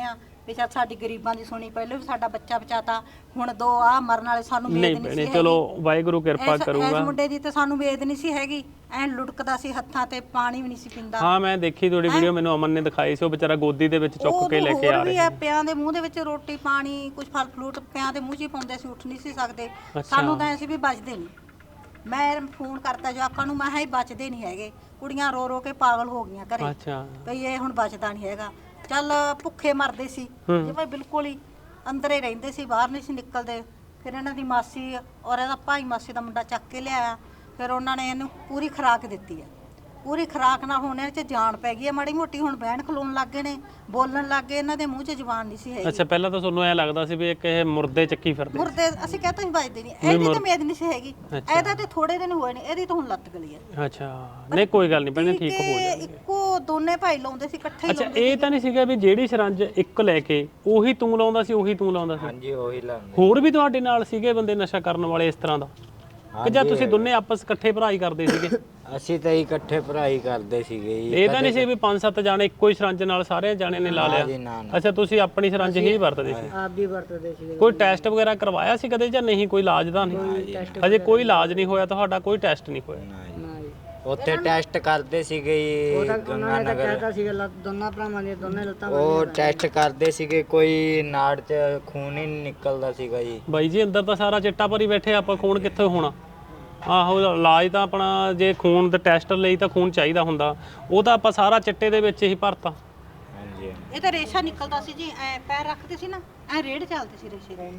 ਵੀ ਚੱਲ ਸਾਡੀ ਗਰੀਬਾਂ ਦੀ ਸੁਣੀ, ਪਹਿਲਾਂ ਵੀ ਸਾਡਾ ਬੱਚਾ ਬਚਾਤਾ, ਹੁਣ ਦੋ ਆ ਮਰਨ ਵਾਲੇ, ਸਾਨੂੰ ਨਹੀਂ ਵੇਦ ਨਹੀਂ ਭੈਣੇ ਸੀ ਚਲੋ ਵਾਹਿਗੁਰੂ ਕਿਰਪਾ ਇਸ- ਇਸ ਕਰੂਗਾ। ਮੁੰਡੇ ਦੀ ਤਾਂ ਸਾਨੂੰ ਵੇਦ ਨਹੀਂ ਸੀ ਹੈਗੀ, ਐ ਲੁੜਕਦਾ ਸੀ ਹੱਥਾਂ ਤੇ, ਪਾਣੀ ਵੀ ਨਹੀਂ ਸੀ ਪੀਂਦਾ। ਹਾਂ ਮੈਂ ਦੇਖੀ ਤੁਹਾਡੀ ਵੀਡੀਓ, ਮੈਨੂੰ ਅਮਨ ਨੇ ਦਿਖਾਈ ਸੀ, ਉਹ ਵਿਚਾਰਾ ਗੋਦੀ ਦੇ ਵਿੱਚ ਚੁੱਕ ਕੇ ਲੈ ਕੇ ਆ ਹੋਰ ਵੀ ਰਿਹਾ। ਆ, ਪਿਆਂ ਦੇ ਮੂੰਹ ਦੇ ਵਿੱਚ ਰੋਟੀ ਪਾਣੀ ਕੁਝ ਫਲ ਫਲੂਟ ਪਿਆਂ ਦੇ ਮੂੰਹ 'ਚ ਹੀ ਪਾਉਂਦੇ ਸੀ, ਉੱਠ ਨਹੀਂ ਸੀ ਸਕਦੇ। ਸਾਨੂੰ ਤਾਂ ਐਸੀ ਵੀ ਬਚਦੇ ਨਹੀਂ। ਮੈਂ ਫੋਨ ਕਰਤਾ ਜਵਾਕਾਂ ਨੂੰ, ਮੈਂ ਕਿਹਾ ਇਹ ਬਚਦੇ ਨਹੀਂ ਹੈਗੇ, ਕੁੜੀਆਂ ਰੋ ਰੋ ਕੇ ਪਾਗਲ ਹੋ ਗਈਆਂ ਘਰੇ ਅੱਛਾ ਭਈ ਇਹ ਹੁਣ ਬਚਦਾ ਨਹੀਂ ਹੈਗਾ। ਚੱਲ ਭੁੱਖੇ ਮਰਦੇ ਸੀ ਜਿਵੇਂ ਬਿਲਕੁਲ ਹੀ ਅੰਦਰੇ ਰਹਿੰਦੇ ਸੀ, ਬਾਹਰ ਨਹੀਂ ਸੀ ਨਿਕਲਦੇ। ਫਿਰ ਇਹਨਾਂ ਦੀ ਮਾਸੀ ਔਰ ਇਹਦਾ ਭਾਈ ਮਾਸੀ ਦਾ ਮੁੰਡਾ ਚੱਕ ਕੇ ਲਿਆਇਆ, ਫਿਰ ਉਹਨਾਂ ਨੇ ਇਹਨੂੰ ਪੂਰੀ ਖੁਰਾਕ ਦਿੱਤੀ ਹੈ। ਪੂਰੀ ਖੁਰਾਕ ਨਾਲ ਹੁਣ ਇਹ 'ਚ ਜਾਨ ਪੈ ਗਈ ਹੈ ਮਾੜੀ ਮੋਟੀ, ਹੁਣ ਬਹਿਣ ਖਲੋਣ ਲੱਗ ਗਏ ਨੇ, ਬੋਲਣ ਲੱਗ ਗਏ, ਇਹਨਾਂ ਦੇ ਮੂੰਹ 'ਚ ਜ਼ੁਬਾਨ ਨਹੀਂ ਸੀ ਹੈਗੀ। ਅੱਛਾ ਪਹਿਲਾਂ ਤਾਂ ਤੁਹਾਨੂੰ ਐ ਲੱਗਦਾ ਸੀ ਵੀ ਇੱਕ ਇਹ ਮੁਰਦੇ ਚੱਕੀ ਫਿਰਦੇ। ਮੁਰਦੇ ਅਸੀਂ ਕਹਤਾ ਨਹੀਂ ਵੱਜਦੇ ਨਹੀਂ, ਇਹਦੀ ਤਾਂ ਮੇਦ ਨਹੀਂ ਸੀ ਹੈਗੀ, ਇਹਦਾ ਤੇ ਥੋੜੇ ਦਿਨ ਹੋਏ ਨੇ, ਇਹਦੀ ਤਾਂ ਹੁਣ ਲੱਤ ਗਲੀ ਹੈ। ਅੱਛਾ ਨਹੀਂ ਕੋਈ ਗੱਲ ਨਹੀਂ ਭੈਣੇ, ਠੀਕ ਹੋ ਤੇ ਜਾਣਗੇ। ਇੱਕੋ ਦੋਨੇ ਭਾਈ ਲਾਉਂਦੇ ਸੀ, ਇਕੱਠੇ ਹੀ ਅੱਛਾ ਲਾਉਂਦੇ ਇਹ ਤਾਂ ਨਹੀਂ ਸੀਗਾ ਵੀ ਜਿਹੜੀ ਸਰੰਜ ਇੱਕ ਲੈ ਕੇ ਉਹੀ ਤੂੰ ਲਾਉਂਦਾ ਸੀ, ਉਹੀ ਤੂੰ ਲਾਉਂਦਾ ਸੀ? ਹਾਂਜੀ ਉਹੀ ਲਾਉਂਦੇ। ਹੋਰ ਵੀ ਤੁਹਾਡੇ ਨਾਲ ਸੀਗੇ ਬੰਦੇ ਨਸ਼ਾ ਕਰਨ ਵਾਲੇ ਇਸ ਤਰ੍ਹਾਂ ਦਾ, ਕਿ ਜਾਂ ਤੁਸੀਂ ਦੋਨੇ ਆਪਸ ਇਕੱਠੇ ਭਰਾ ਹੀ ਕਰਦੇ ਸੀਗੇ? ਅਸੀਂ ਤਾਂ ਹੀ ਇਕੱਠੇ ਪੜ੍ਹਾਈ ਕਰਦੇ ਸੀਗੇ ਜੀ। ਇਹ ਤਾਂ ਨਹੀਂ ਸੀ ਵੀ ਪੰਜ ਸੱਤ ਜਾਣੇ ਇੱਕੋ ਹੀ ਸਰੰਜ ਨਾਲ ਸਾਰੇ ਜਾਣੇ ਨੇ ਲਾ ਜੀ ਲਿਆ? ਨਾ ਨਾ। ਅੱਛਾ ਤੁਸੀਂ ਆਪਣੀ ਸਰੰਜ ਹੀ ਵਰਤਦੇ ਸੀ? ਆਪ ਵੀ ਵਰਤਦੇ ਸੀ। ਕੋਈ ਟੈਸਟ ਵਗੈਰਾ ਕਰਵਾਇਆ ਸੀ ਕਦੇ ਜਾਂ ਨਹੀਂ? ਕੋਈ ਇਲਾਜ ਦਾ ਨਹੀਂ? ਅਜੇ ਕੋਈ ਇਲਾਜ ਨਹੀਂ ਹੋਇਆ ਤੁਹਾਡਾ? ਕੋਈ ਟੈਸਟ ਨਹੀਂ ਹੋਇਆ? ਨਾ ਜੀ। ਨਾ ਜੀ, ਉੱਥੇ ਟੈਸਟ ਕਰਦੇ ਸੀਗੇ ਜੀ ਉਹਨਾਂ ਗੰਗਾ ਨੇ ਤਾਂ ਨਗਰ। ਕਹਿਤਾ ਸੀਗਾ ਲੱਤ ਦੋਨਾਂ ਭਰਾਵਾਂ ਦੀਆਂ ਦੋਨੇ ਲੱਤਾਂ ਉਹ ਟੈਸਟ ਕਰਦੇ ਸੀਗੇ, ਕੋਈ ਨਾੜ 'ਚ ਖੂਨ ਹੀ ਨਹੀਂ ਨਿਕਲਦਾ ਸੀਗਾ ਜੀ। ਬਾਈ ਜੀ ਅੰਦਰ ਤਾਂ ਸਾਰਾ ਚਿੱਟਾ ਭਰੀ ਬੈਠੇ, ਆਪਾਂ ਖੂਨ ਕਿੱਥੋਂ ਹੋਣਾ? ਆਹੋ ਇਲਾਜ ਤਾਂ ਆਪਣਾ ਜੇ ਖੂਨ ਦੇ ਟੈਸਟ ਲਈ ਤਾਂ ਖੂਨ ਚਾਹੀਦਾ ਹੁੰਦਾ, ਉਹ ਤਾਂ ਆਪਾਂ ਸਾਰਾ ਚਿੱਟੇ ਦੇ ਵਿੱਚ ਹੀ ਭਰਤਾ। ਹਾਂਜੀ ਇਹ ਤਾਂ ਰੇਸ਼ਾ ਨਿਕਲਦਾ ਸੀ ਜੀ, ਐ ਪੈਰ ਰੱਖਦੇ ਸੀ ਨਾ, ਐ ਰੇੜ ਚੱਲਦੇ ਸੀ ਰੇਸ਼ੇ ਦੇ,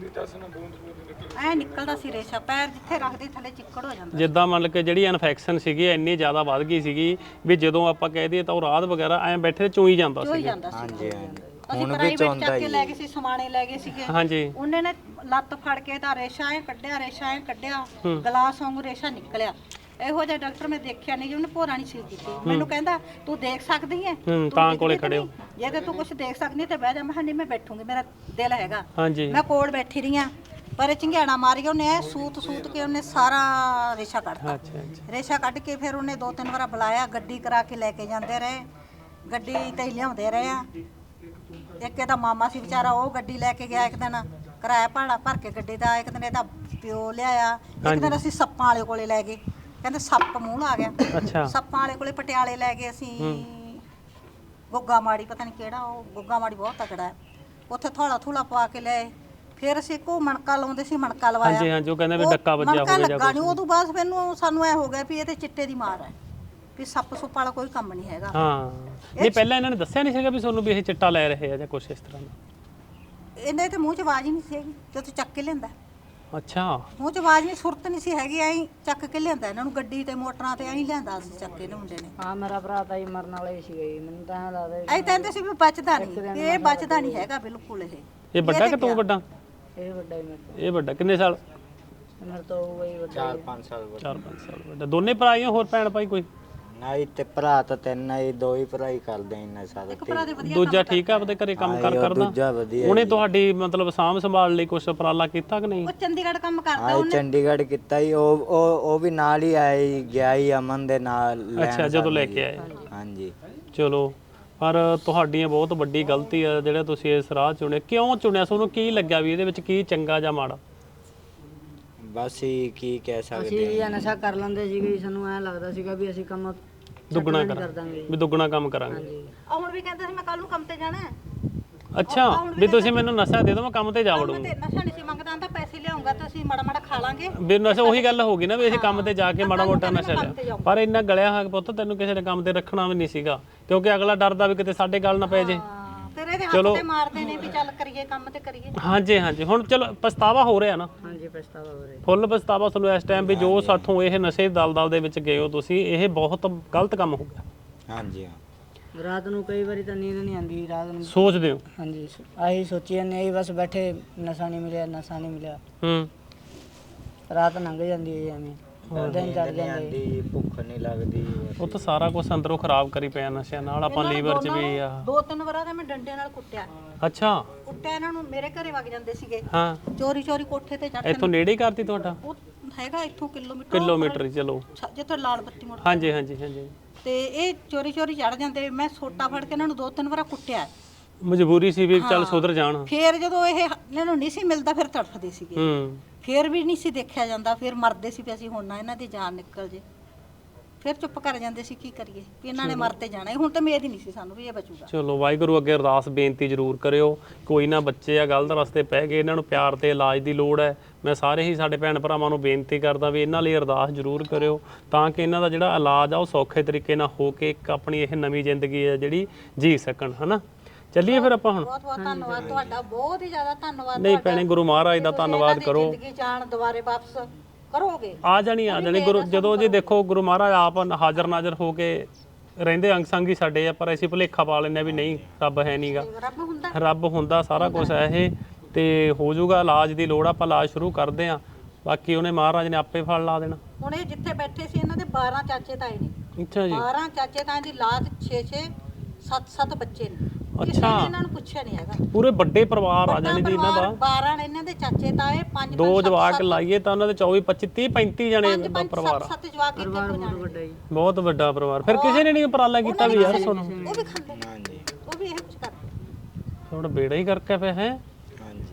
ਐ ਨਿਕਲਦਾ ਸੀ ਰੇਸ਼ਾ, ਪੈਰ ਜਿੱਥੇ ਰੱਖਦੇ ਥੱਲੇ ਚਿੱਕੜ ਹੋ ਜਾਂਦਾ। ਜਿੱਦਾਂ ਮੰਨ ਕੇ ਜਿਹੜੀ ਇਨਫੈਕਸ਼ਨ ਸੀਗੀ ਇੰਨੀ ਜ਼ਿਆਦਾ ਵੱਧ ਗਈ ਸੀਗੀ ਵੀ ਜਦੋਂ ਆਪਾਂ ਕਹਿ ਦਈਏ ਤਾਂ ਉਹ ਰਾਤ ਵਗੈਰਾ ਐਂ ਬੈਠੇ ਚੂਈ ਜਾਂਦਾ ਚੋਈ ਸੀ। ਜਾਂਦਾ ਸੀ। ਹਾਂਜੀ ਹਾਂਜੀ। ਅਸੀਂ ਹੁਣ ਵੀ ਪ੍ਰਾਈਵੇਟ ਚੋਂਦਾ ਚੱਕ ਕੇ ਜੀ। ਲੈ ਗਏ ਸੀ, ਸਮਾਣੇ ਲੈ ਗਏ ਸੀਗੇ। ਹਾਂਜੀ ਉਹਨੇ ਨੇ ਲੱਤ ਫੜ ਕੇ ਤਾਂ ਰੇਸ਼ਾ ਐ ਕੱਢਿਆ, ਰੇਸ਼ਾ ਐ ਕੱਢਿਆ, ਗਲਾਸ ਵਾਂਗੂ ਰੇਸ਼ਾ ਨਿਕਲਿਆ। ਇਹੋ ਜਿਹਾ ਡਾਕਟਰ ਮੈਂ ਦੇਖਿਆ ਨਹੀਂ ਜੀ, ਉਹਨੇ ਭੋਰਾ ਨਹੀਂ ਸੀ ਕੀਤੀ। ਮੈਨੂੰ ਕਹਿੰਦਾ ਤੂੰ ਦੇਖ ਸਕਦੀ ਹੈ? ਹੂੰ ਤਾਂ ਕੋਲੇ ਖੜੇ ਹੋ। ਜੇ ਤੇ ਤੂੰ ਕੁਝ ਦੇਖ ਸਕਦੀ ਤੇ ਬਹਿ ਜਾ। ਮੈਂ ਕਿਹਾ ਨਹੀਂ ਮੈਂ ਬੈਠੂੰਗੀ, ਮੇਰਾ ਦਿਲ ਹੈਗਾ। ਹਾਂਜੀ ਮੈਂ ਕੋਲ ਬੈਠੀ ਰਹੀ ਆ, ਪਰ ਇਹ ਚੰਗਿਆੜਾ ਮਾਰੀ ਉਹਨੇ, ਐ ਸੂਤ ਸੂਤ ਕੇ ਉਹਨੇ ਸਾਰਾ ਰੇਸ਼ਾ ਕੱਢਤਾ। ਅੱਛਾ ਅੱਛਾ ਰੇਸ਼ਾ ਕੱਢ ਕੇ ਫਿਰ ਉਹਨੇ ਦੋ ਤਿੰਨ ਵਾਰ ਬੁਲਾਇਆ, ਗੱਡੀ ਕਰਾ ਕੇ ਲੈ ਕੇ ਜਾਂਦੇ ਰਹੇ, ਗੱਡੀ ਤੇ ਹੀ ਲਿਆਉਂਦੇ ਰਹੇ ਆ। ਇੱਕ ਇਹਦਾ ਮਾਮਾ ਸੀ ਵਿਚਾਰਾ, ਉਹ ਗੱਡੀ ਲੈ ਕੇ ਗਿਆ ਇੱਕ ਦਿਨ, ਕਿਰਾਇਆ ਭਾੜਾ ਭਰ ਕੇ ਗੱਡੀ ਦਾ। ਇੱਕ ਦਿਨ ਇਹਦਾ ਪਿਓ ਲਿਆਇਆ, ਇੱਕ ਦਿਨ ਅਸੀਂ ਸੱਪਾਂ ਵਾਲੇ ਕੋਲੇ ਲੈ ਗਏ, ਕਹਿੰਦੇ ਸੱਪ ਮੂੰਹ ਆ ਗਿਆ। ਅੱਛਾ ਸੱਪਾਂ ਵਾਲੇ ਕੋਲੇ ਪਟਿਆਲੇ ਲੈ ਗਏ ਅਸੀਂ, ਗੁੱਗਾ ਮਾੜੀ ਪਤਾ ਨਹੀਂ ਕਿਹੜਾ, ਉਹ ਗੁੱਗਾ ਮਾੜੀ ਬਹੁਤ ਤਕੜਾ ਹੈ, ਉੱਥੇ ਥੋੜਾ ਥੂਲਾ ਪਵਾ ਕੇ ਲਏ। ਫਿਰ ਅਸੀਂ ਕੋ ਮਣਕਾ ਲਾਉਂਦੇ ਸੀ, ਮਣਕਾ ਲਵਾਇਆ। ਹਾਂਜੀ ਹਾਂਜੀ ਉਹ ਕਹਿੰਦੇ ਵੀ ਉਹ ਡੱਕਾ ਵੱਜਿਆ ਮਣਕਾ ਹੋਵੇ ਜਾਂ ਲੱਗਾ ਨਹੀਂ, ਉਦੋਂ ਬਾਅਦ ਮੈਨੂੰ ਸਾਨੂੰ ਐ ਹੋ ਗਿਆ ਵੀ ਇਹ ਤੇ ਚਿੱਟੇ ਦੀ ਮਾਰ ਹੈ, ਵੀ ਸੱਪ ਸੁੱਪ ਵਾਲਾ ਕੋਈ ਕੰਮ ਨਹੀਂ ਹੈਗਾ। ਹਾਂ ਨਹੀਂ ਪਹਿਲਾਂ ਇਹਨਾਂ ਨੇ ਦੱਸਿਆ ਨਹੀਂ ਸੀਗਾ ਵੀ ਤੁਹਾਨੂੰ ਵੀ ਇਹ ਚਿੱਟਾ ਲੈ ਰਹੇ ਆ ਜਾਂ ਕੁਛ ਇਸ ਤਰ੍ਹਾਂ ਦਾ? ਇਹਦੇ ਤੇ ਮੂੰਹ 'ਚ ਆਵਾਜ਼ ਹੀ ਨਹੀਂ ਸੀ ਹੈਗੀ, ਤੇ ਉੱਥੇ ਚੱਕ ਕੇ ਲਿਆਂਦਾ। ਅੱਛਾ ਮੂੰਹ 'ਚ ਆਵਾਜ਼ ਨਹੀਂ, ਸੁਰਤ ਨਹੀਂ ਸੀ ਹੈਗੀ, ਐਂ ਚੱਕ ਕੇ ਲਿਆਂਦਾ ਇਹਨਾਂ ਨੂੰ, ਗੱਡੀ ਤੇ ਮੋਟਰਾਂ ਤੇ ਐਂ ਲਿਆਂਦਾ ਸੀ ਚੱਕ ਕੇ ਮੁੰਡੇ ਨੇ। ਹਾਂ ਮੇਰਾ ਭਰਾ ਤਾਂ ਹੀ ਮਰਨ ਵਾਲਾ ਹੀ ਸੀਗਾ ਜੀ, ਮੈਨੂੰ ਤਾਂ ਐਂ ਲੱਗਦਾ ਐਂ ਕਹਿੰਦੇ ਸੀ ਵੀ ਬਚਦਾ ਨਹੀਂ, ਵੀ ਇਹ ਬਚਦਾ ਨਹੀਂ ਹੈਗਾ ਬਿਲਕੁਲ। ਇਹ ਇਹ ਵੱਡਾ ਕਿ ਤੂੰ ਵੱਡਾ? ਇਹ ਵੱਡਾ ਹੀ ਮੇਰੇ ਤੋਂ, ਇਹ ਵੱਡਾ ਕਿੰਨੇ ਸਾਲ? ਮੇਰੇ ਤੋਂ ਹੋਊਗਾ ਹੀ ਵੱਡਾ। ਚਾਰ ਪੰਜ ਸਾਲ ਬਾਅਦ। ਚਾਰ ਪੰਜ ਸਾਲ ਵੱਡਾ। ਦੋਨੇ ਭਰਾ ਹੀ ਹੋ? ਹੋਰ ਭੈਣ ਭਾਈ ਕੋਈ? ਨਹੀਂ ਤੇ ਭਰਾ ਤਾਂ ਤਿੰਨ ਆ ਜੀ, ਦੋ ਹੀ ਭਰਾ ਹੀ ਕਰਦੇ ਇੰਨਾ ਸਾਰਾ। ਇੱਕ ਭਰਾ ਦੇ ਵਧੀਆ ਦੂਜਾ ਠੀਕ ਆ ਆਪਦੇ ਘਰੇ ਕੰਮ ਕਰ ਕਰਦਾ? ਦੂਜਾ ਵਧੀਆ ਉਹਨੇ ਤੁਹਾਡੀ ਮਤਲਬ ਸਾਂਭ ਸੰਭਾਲ ਲਈ ਕੁਛ ਉਪਰਾਲਾ ਕੀਤਾ ਕਿ ਨਹੀਂ? ਉਹ ਚੰਡੀਗੜ੍ਹ ਕੰਮ ਕਰਦਾ ਆਏ ਚੰਡੀਗੜ੍ਹ ਕੀਤਾ ਹੀ, ਉਹ ਉਹ ਉਹ ਵੀ ਨਾਲ ਹੀ ਆਇਆ ਜੀ, ਗਿਆ ਹੀ ਅਮਨ ਦੇ ਨਾਲ ਲੈਣ ਅੱਛਾ ਜਦੋਂ ਲੈ ਕੇ ਆਏ। ਹਾਂਜੀ। ਚਲੋ ਪਰ ਤੁਹਾਡੀਆਂ ਬਹੁਤ ਵੱਡੀ ਗਲਤੀ ਆ ਜਿਹੜਾ ਤੁਸੀਂ ਇਸ ਰਾਹ ਚੁਣਿਆ। ਕਿਉਂ ਚੁਣਿਆ? ਤੁਹਾਨੂੰ ਕੀ ਲੱਗਿਆ ਵੀ ਇਹਦੇ ਵਿੱਚ ਕੀ ਚੰਗਾ ਜਾਂ ਮਾੜਾ? ਬਸ ਹੀ ਕੀ ਕਹਿ ਸਕਦੇ ਅਸੀਂ ਇਹ ਨਸ਼ਾ ਕਰ ਲੈਂਦੇ ਸੀਗੇ ਜੀ, ਸਾਨੂੰ ਐਂ ਲੱਗਦਾ ਸੀਗਾ ਵੀ ਅਸੀਂ ਕੰਮ ਦੁੱਗਣਾ ਕਰ ਕਰ ਦਾਂਗੇ। ਵੀ ਦੁੱਗਣਾ ਕੰਮ ਕਰਾਂਗੇ। ਹਾਂਜੀ ਆ ਹੁਣ ਵੀ ਕਹਿੰਦਾ ਸੀ ਮੈਂ ਕੱਲ ਨੂੰ ਕੰਮ ਤੇ ਜਾਣਾ ਹੈ। ਅੱਛਾ ਵੀ ਤੁਸੀਂ ਮੈਨੂੰ ਨਸ਼ਾ ਦੇ ਦਿਓ ਮੈਂ ਕੰਮ ਤੇ ਜਾ ਕੰਮ ਵੜੂੰਗਾ। ਤੇ ਨਸ਼ਾ ਨਹੀਂ ਸੀ ਮੰਗਦਾ, ਆਂਦਾ ਪੈਸੇ ਲਿਆਉਂਗਾ ਤਾਂ ਅਸੀਂ ਮਾੜਾ ਮਾੜਾ ਖਾ ਲਾਂਗੇ। ਵੀ ਨਸ਼ਾ ਉਹੀ ਗੱਲ ਹੋ ਗਈ ਨਾ ਵੀ ਅਸੀਂ ਕੰਮ ਤੇ ਜਾ ਕੇ ਮਾੜਾ ਮੋਟਾ ਨਸ਼ਾ ਲਿਆ। ਪਰ ਇੰਨਾ ਗਲਿਆ ਹੋਇਆ ਪੁੱਤ ਤੈਨੂੰ ਕਿਸੇ ਨੇ ਕੰਮ ਤੇ ਰੱਖਣਾ ਵੀ ਨਹੀਂ ਸੀਗਾ, ਕਿਉਂਕਿ ਅਗਲਾ ਡਰਦਾ ਵੀ ਕਿਤੇ ਸਾਡੇ ਗੱਲ ਨਾ ਪੈ ਜੇ। ਹਾਂ, ਫਿਰ ਇਹਦੇ ਹੱਥ ਤੇ ਮਾਰਦੇ ਨੇ ਵੀ ਚੱਲ ਕਰੀਏ ਕੰਮ ਤੇ ਕਰੀਏ। ਹਾਂਜੀ ਹਾਂਜੀ ਹੁਣ ਚਲੋ ਪਛਤਾਵਾ ਹੋ ਰਿਹਾ ਨਾ? ਹਾਂਜੀ ਪਛਤਾਵਾ ਹੋ ਰਿਹਾ। ਫੁੱਲ ਪਛਤਾਵਾ ਤੁਹਾਨੂੰ ਇਸ ਟਾਈਮ ਵੀ ਜੋ ਸਾਥੋਂ ਇਹ ਨਸ਼ੇ ਦਲਦਲ ਦੇ ਵਿੱਚ ਗਏ ਹੋ ਤੁਸੀਂ, ਇਹ ਬਹੁਤ ਗਲਤ ਕੰਮ ਹੋ ਗਿਆ। ਹਾਂਜੀ ਹਾਂ। ਰਾਤ ਨੂੰ ਕਈ ਵਾਰੀ ਤਾਂ ਨੀਂਦ ਨਹੀਂ ਆਉਂਦੀ, ਰਾਤ ਨੂੰ ਸੋਚਦੇ ਹੋ? ਹਾਂਜੀ ਆਹੀ ਸੋਚੀ ਜਾਂਦੇ ਆਹੀ ਬਸ ਬੈਠੇ, ਨਸ਼ਾ ਨਹੀਂ ਮਿਲਿਆ ਨਸ਼ਾ ਨਹੀਂ ਮਿਲਿਆ, ਹੂੰ ਰਾਤ ਲੰਘ ਜਾਂਦੀ ਹੈ ਐਵੇਂ, ਦਿਨ ਚੜ ਨਹੀਂ ਜਾਂਦੇ। ਆਂਦੀ, ਭੁੱਖ ਨਹੀਂ ਲੱਗਦੀ ਬਸ। ਉਹ ਤਾਂ ਸਾਰਾ ਕੁਝ ਅੰਦਰੋਂ ਖਰਾਬ ਕਰੀ ਪਿਆ ਨਸ਼ਿਆਂ ਨਾਲ। ਆਪਾਂ ਲੀਵਰ 'ਚ ਵੀ ਆ। ਦੋ ਤਿੰਨ ਵਾਰਾਂ ਤਾਂ ਮੈਂ ਡੰਡੇ ਨਾਲ ਕੁੱਟਿਆ ਅੱਛਾ ਕੁੱਟਿਆ ਇਹਨਾਂ ਨੂੰ, ਮੇਰੇ ਘਰੇ ਵਗ ਜਾਂਦੇ ਸੀਗੇ ਹਾਂ ਚੋਰੀ ਚੋਰੀ ਕੋਠੇ ਤੇ ਚੜ੍ਹ। ਇੱਥੋਂ ਨੇੜੇ ਹੀ ਕਰਤੀ ਤੁਹਾਡਾ? ਉਹ ਹੈਗਾ ਇੱਥੋਂ ਕਿਲੋਮੀਟਰ, ਕਿਲੋਮੀਟਰ ਹੀ ਚਲੋ। ਜਿੱਥੇ ਲਾਲ ਬੱਤੀ ਮੋੜ। ਹਾਂਜੀ ਹਾਂਜੀ ਹਾਂਜੀ ਤੇ ਇਹ ਚੋਰੀ ਚੋਰੀ ਚੜ ਜਾਂਦੇ। ਮੈਂ ਸੋਟਾ ਫੜ ਕੇ ਇਹਨਾਂ ਨੂੰ ਦੋ ਤਿੰਨ ਵਾਰ ਕੁੱਟਿਆ, ਮਜਬੂਰੀ ਸੀ ਵੀ ਚੱਲ ਸੁਧਰ ਜਾਣ। ਫਿਰ ਜਦੋਂ ਇਹ ਇਹਨਾਂ ਨੂੰ ਨਹੀਂ ਸੀ ਮਿਲਦਾ ਫਿਰ ਤੜਫਦੇ ਸੀਗੇ, ਹੂੰ ਫਿਰ ਵੀ ਨਹੀਂ ਸੀ ਦੇਖਿਆ ਜਾਂਦਾ, ਫਿਰ ਮਰਦੇ ਸੀ ਵੀ ਅਸੀਂ ਹੁਣ ਨਾ ਇਹਨਾਂ ਦੀ ਜਾਨ ਨਿਕਲ ਜੇ, ਫਿਰ ਚੁੱਪ ਕਰ ਜਾਂਦੇ ਸੀ ਕੀ ਕਰੀਏ ਵੀ ਇਹਨਾਂ ਨੇ ਮਰ ਤੇ ਜਾਣਾ ਹੀ, ਹੁਣ ਤਾਂ ਉਮੀਦ ਹੀ ਨਹੀਂ ਸੀ ਸਾਨੂੰ ਵੀ ਇਹ ਬਚੂਗਾ। ਚਲੋ ਵਾਹਿਗੁਰੂ ਅੱਗੇ ਅਰਦਾਸ ਬੇਨਤੀ ਜ਼ਰੂਰ ਕਰਿਓ, ਕੋਈ ਨਾ ਬੱਚੇ ਆ ਗਲਤ ਰਸਤੇ ਪੈ ਗਏ, ਇਹਨਾਂ ਨੂੰ ਪਿਆਰ ਤੇ ਇਲਾਜ ਦੀ ਲੋੜ ਹੈ। ਮੈਂ ਸਾਰੇ ਹੀ ਸਾਡੇ ਭੈਣ ਭਰਾਵਾਂ ਨੂੰ ਬੇਨਤੀ ਕਰਦਾ ਵੀ ਇਹਨਾਂ ਲਈ ਅਰਦਾਸ ਜ਼ਰੂਰ ਕਰਿਓ ਤਾਂ ਕਿ ਇਹਨਾਂ ਦਾ ਜਿਹੜਾ ਇਲਾਜ ਆ ਉਹ ਸੌਖੇ ਤਰੀਕੇ ਨਾਲ ਹੋ ਕੇ ਇੱਕ ਆਪਣੀ ਇਹ ਨਵੀਂ ਜ਼ਿੰਦਗੀ ਹੈ ਜਿਹੜੀ ਜੀ ਸਕਣ, ਹਨਾ। ਚੱਲੀਏ ਫਿਰ ਆਪਾਂ ਹੁਣ। ਬਹੁਤ ਬਹੁਤ ਧੰਨਵਾਦ ਤੁਹਾਡਾ, ਬਹੁਤ ਹੀ ਜ਼ਿਆਦਾ ਧੰਨਵਾਦ। ਨਹੀਂ ਭੈਣੇ, ਗੁਰੂ ਮਹਾਰਾਜ ਦਾ ਧੰਨਵਾਦ ਕਰੋ। ਜ਼ਿੰਦਗੀ ਜਾਣ ਦੁਬਾਰੇ ਵਾਪਸ ਕਰੋਗੇ, ਆ ਜਾਣੀ ਆ ਜਾਣੀ ਗੁਰੂ ਜਦੋਂ ਜੀ ਦੇਖੋ ਗੁਰੂ ਮਹਾਰਾਜ ਆਪ ਹਾਜ਼ਰ ਨਾਜ਼ਰ ਹੋ ਕੇ ਰਹਿੰਦੇ ਅੰਗ ਸੰਗ ਹੀ ਸਾਡੇ ਆ, ਪਰ ਅਸੀਂ ਭੁਲੇਖਾ ਪਾ ਲੈਂਦੇ ਆ ਵੀ ਨਹੀਂ ਰੱਬ ਹੈ ਨਹੀਂਗਾ। ਰੱਬ ਹੁੰਦਾ ਰੱਬ ਹੁੰਦਾ, ਸਾਰਾ ਕੁਝ ਹੈ ਇਹ, ਤੇ ਹੋ ਜਾਊਗਾ। ਇਲਾਜ ਦੀ ਲੋੜ, ਆਪਾਂ ਇਲਾਜ ਸ਼ੁਰੂ ਕਰਦੇ ਆ, ਬਾਕੀ ਉਹਨੇ ਮਹਾਰਾਜ ਨੇ ਆਪੇ ਫਲ ਲਾ ਦੇਣਾ। ਹੁਣ ਇਹ ਜਿੱਥੇ ਬੈਠੇ ਸੀ ਇਹਨਾਂ ਦੇ ਬਾਰਾਂ ਚਾਚੇ ਤਾਏ ਨੇ। ਅੱਛਾ ਜੀ। ਬਾਰਾਂ ਚਾਚੇ ਤਾਏ ਦੀ ਲਾਦ ਛੇ ਛੇ ਸੱਤ ਸੱਤ ਬੱਚੇ ਨੇ। ਕਿਸੇ ਅੱਛਾ। ਨੇ ਇਹਨਾਂ ਨੂੰ ਪੁੱਛਿਆ ਨਹੀਂ ਹੈਗਾ। ਪੂਰੇ ਵੱਡੇ ਪਰਿਵਾਰ ਆ ਜਾਣੀ ਜੀ ਇਹਨਾਂ ਦਾ। ਬਾਰਾਂ ਨੇ ਇਹਨਾਂ ਦੇ ਚਾਚੇ ਤਾਏ, ਪੰਜ ਦੋ ਜਵਾਕ ਲਾਈਏ ਤਾਂ ਉਹਨਾਂ ਦੇ ਚੌਵੀ ਪੱਚੀ ਤੀਹ ਪੈਂਤੀ ਜਣੇ ਦਾ ਪਰਿਵਾਰ ਆ। ਸੱਤ ਜਵਾਕ ਇੱਥੇ ਤੋਂ ਜਾਣੇ। ਬਹੁਤ ਵੱਡਾ ਪਰਿਵਾਰ। ਫਿਰ ਕਿਸੇ ਨੇ ਨਹੀਂ ਉਪਰਾਲਾ ਕੀਤਾ ਵੀ ਯਾਰ ਸੁਣੋ, ਉਹ ਵੀ ਖਾਂਦੇ, ਹਾਂਜੀ ਉਹ ਵੀ ਇਹ ਕੁਝ ਕਰਦੇ ਥੋੜਾ ਬੇੜਾ ਹੀ ਕਰਕੇ ਪਿਆ ਹੈ। ਹਾਂਜੀ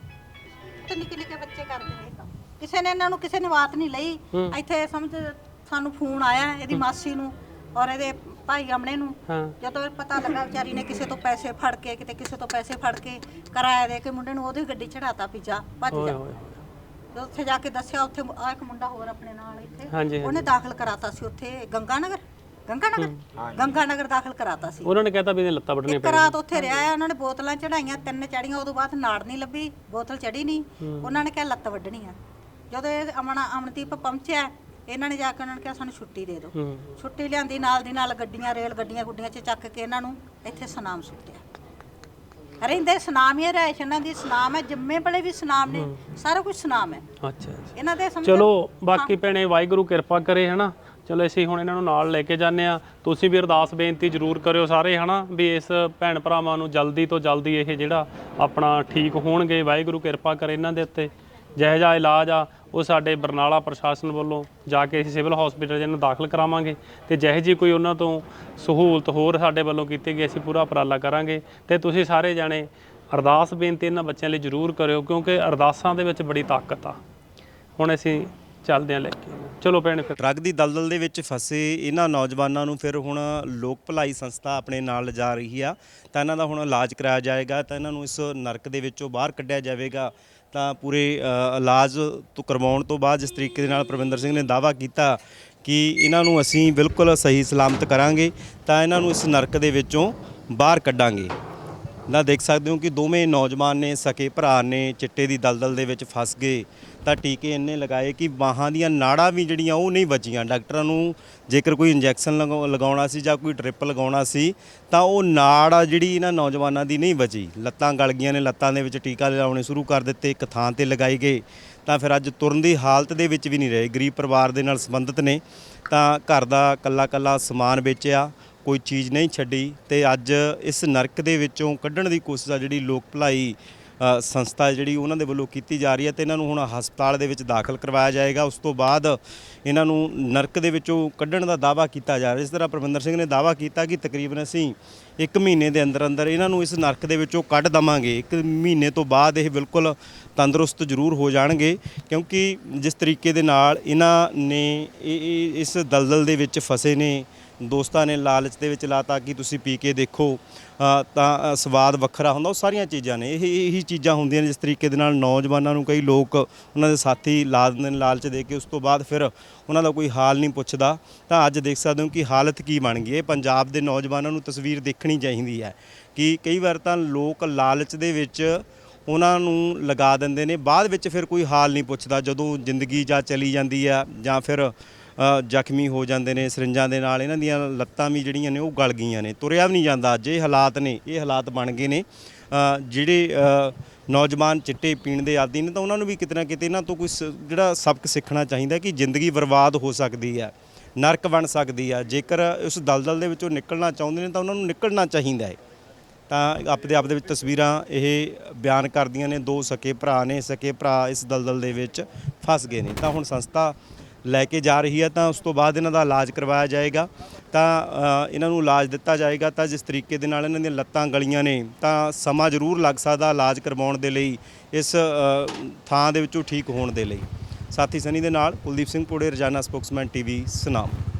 ਤੇ ਨਿੱਕੇ ਨਿੱਕੇ ਬੱਚੇ ਕਰਦੇ ਨੇ ਇਹ ਕੰਮ। ਕਿਸੇ ਨੇ ਇਹਨਾਂ ਨੂੰ ਕਿਸੇ ਨੇ ਬਾਤ ਨਹੀਂ ਲਈ। ਇੱਥੇ ਸਮਝ ਸਾਨੂੰ ਫੋਨ ਆਇਆ ਇਹਦੀ ਮਾਸੀ ਨੂੰ ਔਰ ਇਹਦੇ ਭਾਈ ਆਮਣੇ ਨੂੰ। ਹਾਂ। ਜਦੋਂ ਇਹ ਪਤਾ ਲੱਗਾ ਵਿਚਾਰੀ ਨੇ ਕਿਸੇ ਤੋਂ ਪੈਸੇ ਫੜ ਕੇ, ਕਿਤੇ ਕਿਸੇ ਤੋਂ ਪੈਸੇ ਫੜ ਕੇ ਕਿਰਾਇਆ ਦੇ ਕੇ ਮੁੰਡੇ ਨੂੰ ਉਹਦੀ ਗੱਡੀ ਚੜਾਤਾ ਵੀ ਜਾ ਭੱਜ ਓਏ ਜਾ। ਹੋਏ ਜਦੋਂ ਉੱਥੇ ਜਾ ਕੇ ਦੱਸਿਆ, ਉੱਥੇ ਆ ਇੱਕ ਮੁੰਡਾ ਹੋਰ ਆਪਣੇ ਨਾਲ ਇੱਥੇ ਹਾਂਜੀ ਉਹਨੇ ਦਾਖਲ ਕਰਾਤਾ ਸੀ ਉੱਥੇ ਗੰਗਾ ਨਗਰ ਗੰਗਾ ਨਗਰ ਗੰਗਾ ਨਗਰ ਦਾਖਲ ਕਰਾਤਾ ਸੀ। ਉਹਨਾਂ ਨੇ ਕਹਿਤਾ ਵੀ ਇਹਨੇ ਲੱਤਾਂ ਵੱਢਣੀਆਂ ਇੱਕ ਰਾਤ ਉੱਥੇ ਰਿਹਾ ਆ, ਉਹਨਾਂ ਨੇ ਬੋਤਲਾਂ ਚੜਾਈਆਂ, ਤਿੰਨ ਚੜੀਆਂ, ਉਦੋਂ ਬਾਅਦ ਨਾੜ ਨਹੀਂ ਲੱਭੀ, ਬੋਤਲ ਚੜੀ ਨਹੀਂ। ਉਹਨਾਂ ਨੇ ਕਿਹਾ ਲੱਤ ਵੱਢਣੀ ਆ। ਜਦੋਂ ਇਹ ਅਮਨਾ ਅਮਨਦੀਪ ਪਹੁੰਚਿਆ, ਇਹਨਾਂ ਨੇ ਜਾ ਕੇ ਉਹਨਾਂ ਨੇ ਕਿਹਾ ਸਾਨੂੰ ਛੁੱਟੀ ਦੇ ਦਿਓ। ਹੂੰ। ਛੁੱਟੀ ਲਿਆਂਦੀ, ਨਾਲ ਦੀ ਨਾਲ ਗੱਡੀਆਂ ਰੇਲ ਗੱਡੀਆਂ ਗੁੱਡੀਆਂ 'ਚ ਚੱਕ ਕੇ ਇਹਨਾਂ ਨੂੰ ਇੱਥੇ ਸਨਾਮ ਸੁੱਟਿਆ। ਰਹਿੰਦੇ ਸਨਾਮ ਹੀ ਰਹਿਸ਼ ਇਹਨਾਂ ਦੀ ਸਨਾਮ ਹੈ, ਜੰਮੇ ਬੜੇ ਵੀ ਸਨਾਮ ਨੇ, ਸਾਰਾ ਕੁਝ ਸਨਾਮ ਹੈ ਅੱਛਾ ਅੱਛਾ। ਇਹਨਾਂ ਦੇ। ਸਮਝ ਚਲੋ ਬਾਕੀ ਭੈਣੇ ਵਾਹਿਗੁਰੂ ਕਿਰਪਾ ਕਰੇ, ਹਨਾ। ਚਲੋ ਅਸੀਂ ਹੁਣ ਇਹਨਾਂ ਨੂੰ ਨਾਲ ਲੈ ਕੇ ਜਾਂਦੇ ਆ। ਤੁਸੀਂ ਵੀ ਅਰਦਾਸ ਬੇਨਤੀ ਜ਼ਰੂਰ ਕਰਿਓ ਸਾਰੇ, ਹਨਾ, ਵੀ ਇਸ ਭੈਣ ਭਰਾਵਾਂ ਨੂੰ ਜਲਦੀ ਤੋਂ ਜਲਦੀ ਇਹ ਜਿਹੜਾ ਆਪਣਾ ਠੀਕ ਹੋਣਗੇ। ਵਾਹਿਗੁਰੂ ਕਿਰਪਾ ਕਰੇ ਇਹਨਾਂ ਦੇ ਉੱਤੇ। ਜਿਹੋ ਜਿਹਾ ਇਲਾਜ ਆ ਉਹ ਸਾਡੇ ਬਰਨਾਲਾ ਪ੍ਰਸ਼ਾਸਨ ਵੱਲੋਂ ਜਾ ਕੇ ਅਸੀਂ ਸਿਵਲ ਹਸਪੀਟਲ ਜਿਹਨੂੰ ਦਾਖਲ ਕਰਾਵਾਂਗੇ, ਤੇ ਜਿਹੋ ਜਿਹੀ ਕੋਈ ਉਹਨਾਂ ਤੋਂ ਸਹੂਲਤ ਹੋਰ ਸਾਡੇ ਵੱਲੋਂ ਕੀਤੀ ਗਈ ਅਸੀਂ ਪੂਰਾ ਉਪਰਾਲਾ ਕਰਾਂਗੇ। ਤੇ ਤੁਸੀਂ ਸਾਰੇ ਜਾਣੇ ਅਰਦਾਸ ਬੇਨਤੀ ਇਹਨਾਂ ਬੱਚਿਆਂ ਲਈ ਜ਼ਰੂਰ ਕਰਿਓ, ਕਿਉਂਕਿ ਅਰਦਾਸਾਂ ਦੇ ਵਿੱਚ ਬੜੀ ਤਾਕਤ ਆ। ਹੁਣ ਅਸੀਂ ਚੱਲਦੇ ਹਾਂ ਲੈ ਕੇ। ਚਲੋ ਭੈਣ ਫਿਰ। ਡਰੱਗ ਦੀ ਦਲਦਲ ਦੇ ਵਿੱਚ ਫਸੇ ਇਹਨਾਂ ਨੌਜਵਾਨਾਂ ਨੂੰ ਫਿਰ ਹੁਣ ਲੋਕ ਭਲਾਈ ਸੰਸਥਾ ਆਪਣੇ ਨਾਲ ਲਿਜਾ ਰਹੀ ਆ, ਤਾਂ ਇਹਨਾਂ ਦਾ ਹੁਣ ਇਲਾਜ ਕਰਾਇਆ ਜਾਏਗਾ, ਤਾਂ ਇਹਨਾਂ ਨੂੰ ਇਸ ਨਰਕ ਦੇ ਵਿੱਚੋਂ ਬਾਹਰ ਕੱਢਿਆ ਜਾਵੇਗਾ। ਤਾਂ ਪੂਰੇ ਅ, ਇਲਾਜ ਤੋਂ ਕਰਵਾਉਣ ਤੋਂ ਬਾਅਦ ਜਿਸ ਤਰੀਕੇ ਦੇ ਨਾਲ ਪਰਵਿੰਦਰ ਸਿੰਘ ਨੇ ਦਾਅਵਾ ਕੀਤਾ ਕਿ ਇਹਨਾਂ ਨੂੰ ਅਸੀਂ ਬਿਲਕੁਲ ਸਹੀ ਸਲਾਮਤ ਕਰਾਂਗੇ, ਤਾਂ ਇਹਨਾਂ ਨੂੰ ਇਸ ਨਰਕ ਦੇ ਵਿੱਚੋਂ ਬਾਹਰ ਕੱਢਾਂਗੇ। ਨਾ ਦੇਖ ਸਕਦੇ ਹੋ ਕਿ ਦੋਵੇਂ ਨੌਜਵਾਨ ਨੇ, ਸਕੇ ਭਰਾ ਨੇ, ਚਿੱਟੇ ਦੀ ਦਲਦਲ ਦੇ ਵਿੱਚ ਫਸ ਗਏ। ਤਾਂ ਟੀਕੇ ਇੰਨੇ ਲਗਾਏ ਕਿ ਬਾਹਾਂ ਦੀਆਂ ਨਾੜਾਂ ਵੀ ਜਿਹੜੀਆਂ ਉਹ ਨਹੀਂ ਬਚੀਆਂ। ਡਾਕਟਰਾਂ ਨੂੰ ਜੇਕਰ ਕੋਈ ਇੰਜੈਕਸ਼ਨ ਲਗਾਉਣਾ ਸੀ ਜਾਂ ਕੋਈ ਡ੍ਰਿਪ ਲਗਾਉਣਾ ਸੀ ਤਾਂ ਉਹ ਨਾੜ ਆ ਜਿਹੜੀ ਇਹਨਾਂ ਨੌਜਵਾਨਾਂ ਦੀ ਨਹੀਂ ਬਚੀ। ਲੱਤਾਂ ਗਲ ਗਈਆਂ ਨੇ, ਲੱਤਾਂ ਦੇ ਵਿੱਚ ਟੀਕਾ ਲਾਉਣੇ ਸ਼ੁਰੂ ਕਰ ਦਿੱਤੇ, ਇੱਕ ਥਾਂ ਤੇ ਲਗਾਏ ਗਏ, ਤਾਂ ਫਿਰ ਅੱਜ ਤੁਰਨ ਦੀ ਹਾਲਤ ਦੇ ਵਿੱਚ ਵੀ ਨਹੀਂ ਰਹੇ। ਗਰੀਬ ਪਰਿਵਾਰ ਦੇ ਨਾਲ ਸੰਬੰਧਿਤ ਨੇ, ਤਾਂ ਘਰ ਦਾ ਕੱਲਾ ਕੱਲਾ ਸਮਾਨ ਵੇਚਿਆ, ਕੋਈ ਚੀਜ਼ ਨਹੀਂ ਛੱਡੀ, ਤੇ ਅੱਜ ਇਸ ਨਰਕ ਦੇ ਵਿੱਚੋਂ ਕੱਢਣ ਦੀ ਕੋਸ਼ਿਸ਼ ਆ ਜਿਹੜੀ ਲੋਕ ਭਲਾਈ ਅ, ਸੰਸਥਾ ਜਿਹੜੀ ਉਹਨਾਂ ਦੇ ਵੱਲੋਂ ਕੀਤੀ ਜਾ ਰਹੀ ਹੈ। ਤੇ ਇਹਨਾਂ ਨੂੰ ਹੁਣ ਹਸਪਤਾਲ ਦੇ ਵਿੱਚ ਦਾਖਲ ਕਰਵਾਇਆ ਜਾਏਗਾ। ਉਸ ਤੋਂ ਬਾਅਦ ਇਹਨਾਂ ਨੂੰ ਨਰਕ ਦੇ ਵਿੱਚੋਂ ਕੱਢਣ ਦਾ ਦਾਅਵਾ ਕੀਤਾ ਜਾ ਰਿਹਾ। ਇਸ ਤਰ੍ਹਾਂ ਪਰਵਿੰਦਰ ਸਿੰਘ ਨੇ ਦਾਅਵਾ ਕੀਤਾ ਕਿ ਤਕਰੀਬਨ ਅਸੀਂ ਇੱਕ ਮਹੀਨੇ ਦੇ ਅੰਦਰ ਅੰਦਰ ਇਹਨਾਂ ਨੂੰ ਇਸ ਨਰਕ ਦੇ ਵਿੱਚੋਂ ਕੱਢ ਦਵਾਂਗੇ। ਇੱਕ ਮਹੀਨੇ ਤੋਂ ਬਾਅਦ ਇਹ ਬਿਲਕੁਲ ਤੰਦਰੁਸਤ ਜ਼ਰੂਰ ਹੋ ਜਾਣਗੇ, ਕਿਉਂਕਿ ਜਿਸ ਤਰੀਕੇ ਦੇ ਨਾਲ ਇਹਨਾਂ ਨੇ ਇਹ ਇਸ ਦਲਦਲ ਦੇ ਵਿੱਚ ਫਸੇ ਨੇ, ਦੋਸਤਾਂ ਨੇ ਲਾਲਚ ਦੇ ਵਿੱਚ ਲਾਤਾ ਕਿ ਤੁਸੀਂ ਪੀ ਕੇ ਦੇਖੋ ਤਾਂ ਸਵਾਦ ਵੱਖਰਾ ਹੁੰਦਾ। ਉਹ ਸਾਰੀਆਂ ਚੀਜ਼ਾਂ ਨੇ, ਇਹ ਇਹੀ ਚੀਜ਼ਾਂ ਹੁੰਦੀਆਂ ਨੇ ਜਿਸ ਤਰੀਕੇ ਦੇ ਨਾਲ ਨੌਜਵਾਨਾਂ ਨੂੰ ਕਈ ਲੋਕ ਉਹਨਾਂ ਦੇ ਸਾਥੀ ਲਾ ਦਿੰਦੇ ਨੇ ਲਾਲਚ ਦੇ ਕੇ, ਉਸ ਤੋਂ ਬਾਅਦ ਫਿਰ ਉਹਨਾਂ ਦਾ ਕੋਈ ਹਾਲ ਨਹੀਂ ਪੁੱਛਦਾ। ਤਾਂ ਅੱਜ ਦੇਖ ਸਕਦੇ ਹੋ ਕਿ ਹਾਲਤ ਕੀ ਬਣ ਗਈ ਹੈ। ਪੰਜਾਬ ਦੇ ਨੌਜਵਾਨਾਂ ਨੂੰ ਤਸਵੀਰ ਦੇਖਣੀ ਚਾਹੀਦੀ ਹੈ ਕਿ ਕਈ ਵਾਰ ਤਾਂ ਲੋਕ ਲਾਲਚ ਦੇ ਵਿੱਚ ਉਹਨਾਂ ਨੂੰ ਲਗਾ ਦਿੰਦੇ ਨੇ, ਬਾਅਦ ਵਿੱਚ ਫਿਰ ਕੋਈ ਹਾਲ ਨਹੀਂ ਪੁੱਛਦਾ। ਜਦੋਂ ਜ਼ਿੰਦਗੀ ਜਾਂ ਚਲੀ ਜਾਂਦੀ ਆ ਜਾਂ ਫਿਰ ਜ਼ਖਮੀ ਹੋ ਜਾਂਦੇ ਨੇ ਸਰਿੰਜਾਂ ਦੇ ਨਾਲ, ਇਹਨਾਂ ਦੀਆਂ ਲੱਤਾਂ ਵੀ ਜਿਹੜੀਆਂ ਨੇ ਉਹ ਗਲ ਗਈਆਂ ਨੇ, ਤੁਰਿਆ ਵੀ ਨਹੀਂ ਜਾਂਦਾ। ਅੱਜ ਇਹ ਹਾਲਾਤ ਨੇ, ਇਹ ਹਾਲਾਤ ਬਣ ਗਏ ਨੇ। ਜਿਹੜੇ ਨੌਜਵਾਨ ਚਿੱਟੇ ਪੀਣ ਦੇ ਆਦੀ ਨੇ ਤਾਂ ਉਹਨਾਂ ਨੂੰ ਵੀ ਕਿਤੇ ਨਾ ਕਿਤੇ ਇਹਨਾਂ ਤੋਂ ਕੋਈ ਜਿਹੜਾ ਸਬਕ ਸਿੱਖਣਾ ਚਾਹੀਦਾ ਕਿ ਜ਼ਿੰਦਗੀ ਬਰਬਾਦ ਹੋ ਸਕਦੀ ਹੈ, ਨਰਕ ਬਣ ਸਕਦੀ ਆ। ਜੇਕਰ ਉਸ ਦਲਦਲ ਦੇ ਵਿੱਚੋਂ ਨਿਕਲਣਾ ਚਾਹੁੰਦੇ ਨੇ ਤਾਂ ਉਹਨਾਂ ਨੂੰ ਨਿਕਲਣਾ ਚਾਹੀਦਾ ਹੈ। ਤਾਂ ਆਪਦੇ ਆਪ ਦੇ ਵਿੱਚ ਤਸਵੀਰਾਂ ਇਹ ਬਿਆਨ ਕਰਦੀਆਂ ਨੇ। ਦੋ ਸਕੇ ਭਰਾ ਨੇ, ਸਕੇ ਭਰਾ ਇਸ ਦਲਦਲ ਦੇ ਵਿੱਚ ਫਸ ਗਏ ਨੇ। ਤਾਂ ਹੁਣ ਸੰਸਥਾ ਲੈ ਕੇ ਜਾ ਰਹੀ ਹੈ, ਤਾਂ ਉਸ ਤੋਂ ਬਾਅਦ ਇਹਨਾਂ ਦਾ ਇਲਾਜ ਕਰਵਾਇਆ ਜਾਏਗਾ। ਤਾਂ ਅ, ਇਹਨਾਂ ਨੂੰ ਇਲਾਜ ਦਿੱਤਾ ਜਾਏਗਾ। ਤਾਂ ਜਿਸ ਤਰੀਕੇ ਦੇ ਨਾਲ ਇਹਨਾਂ ਦੀਆਂ ਲੱਤਾਂ ਗਲੀਆਂ ਨੇ ਤਾਂ ਸਮਾਂ ਜ਼ਰੂਰ ਲੱਗ ਸਕਦਾ ਇਲਾਜ ਕਰਵਾਉਣ ਦੇ ਲਈ, ਇਸ ਅ, ਥਾਂ ਦੇ ਵਿੱਚੋਂ ਠੀਕ ਹੋਣ ਦੇ ਲਈ। ਸਾਥੀ ਸਨੀ ਦੇ ਨਾਲ ਕੁਲਦੀਪ ਸਿੰਘ ਪੋੜੇ, ਰੋਜ਼ਾਨਾ ਸਪੋਕਸਮੈਨ ਟੀਵੀ, ਸੁਨਾਮ।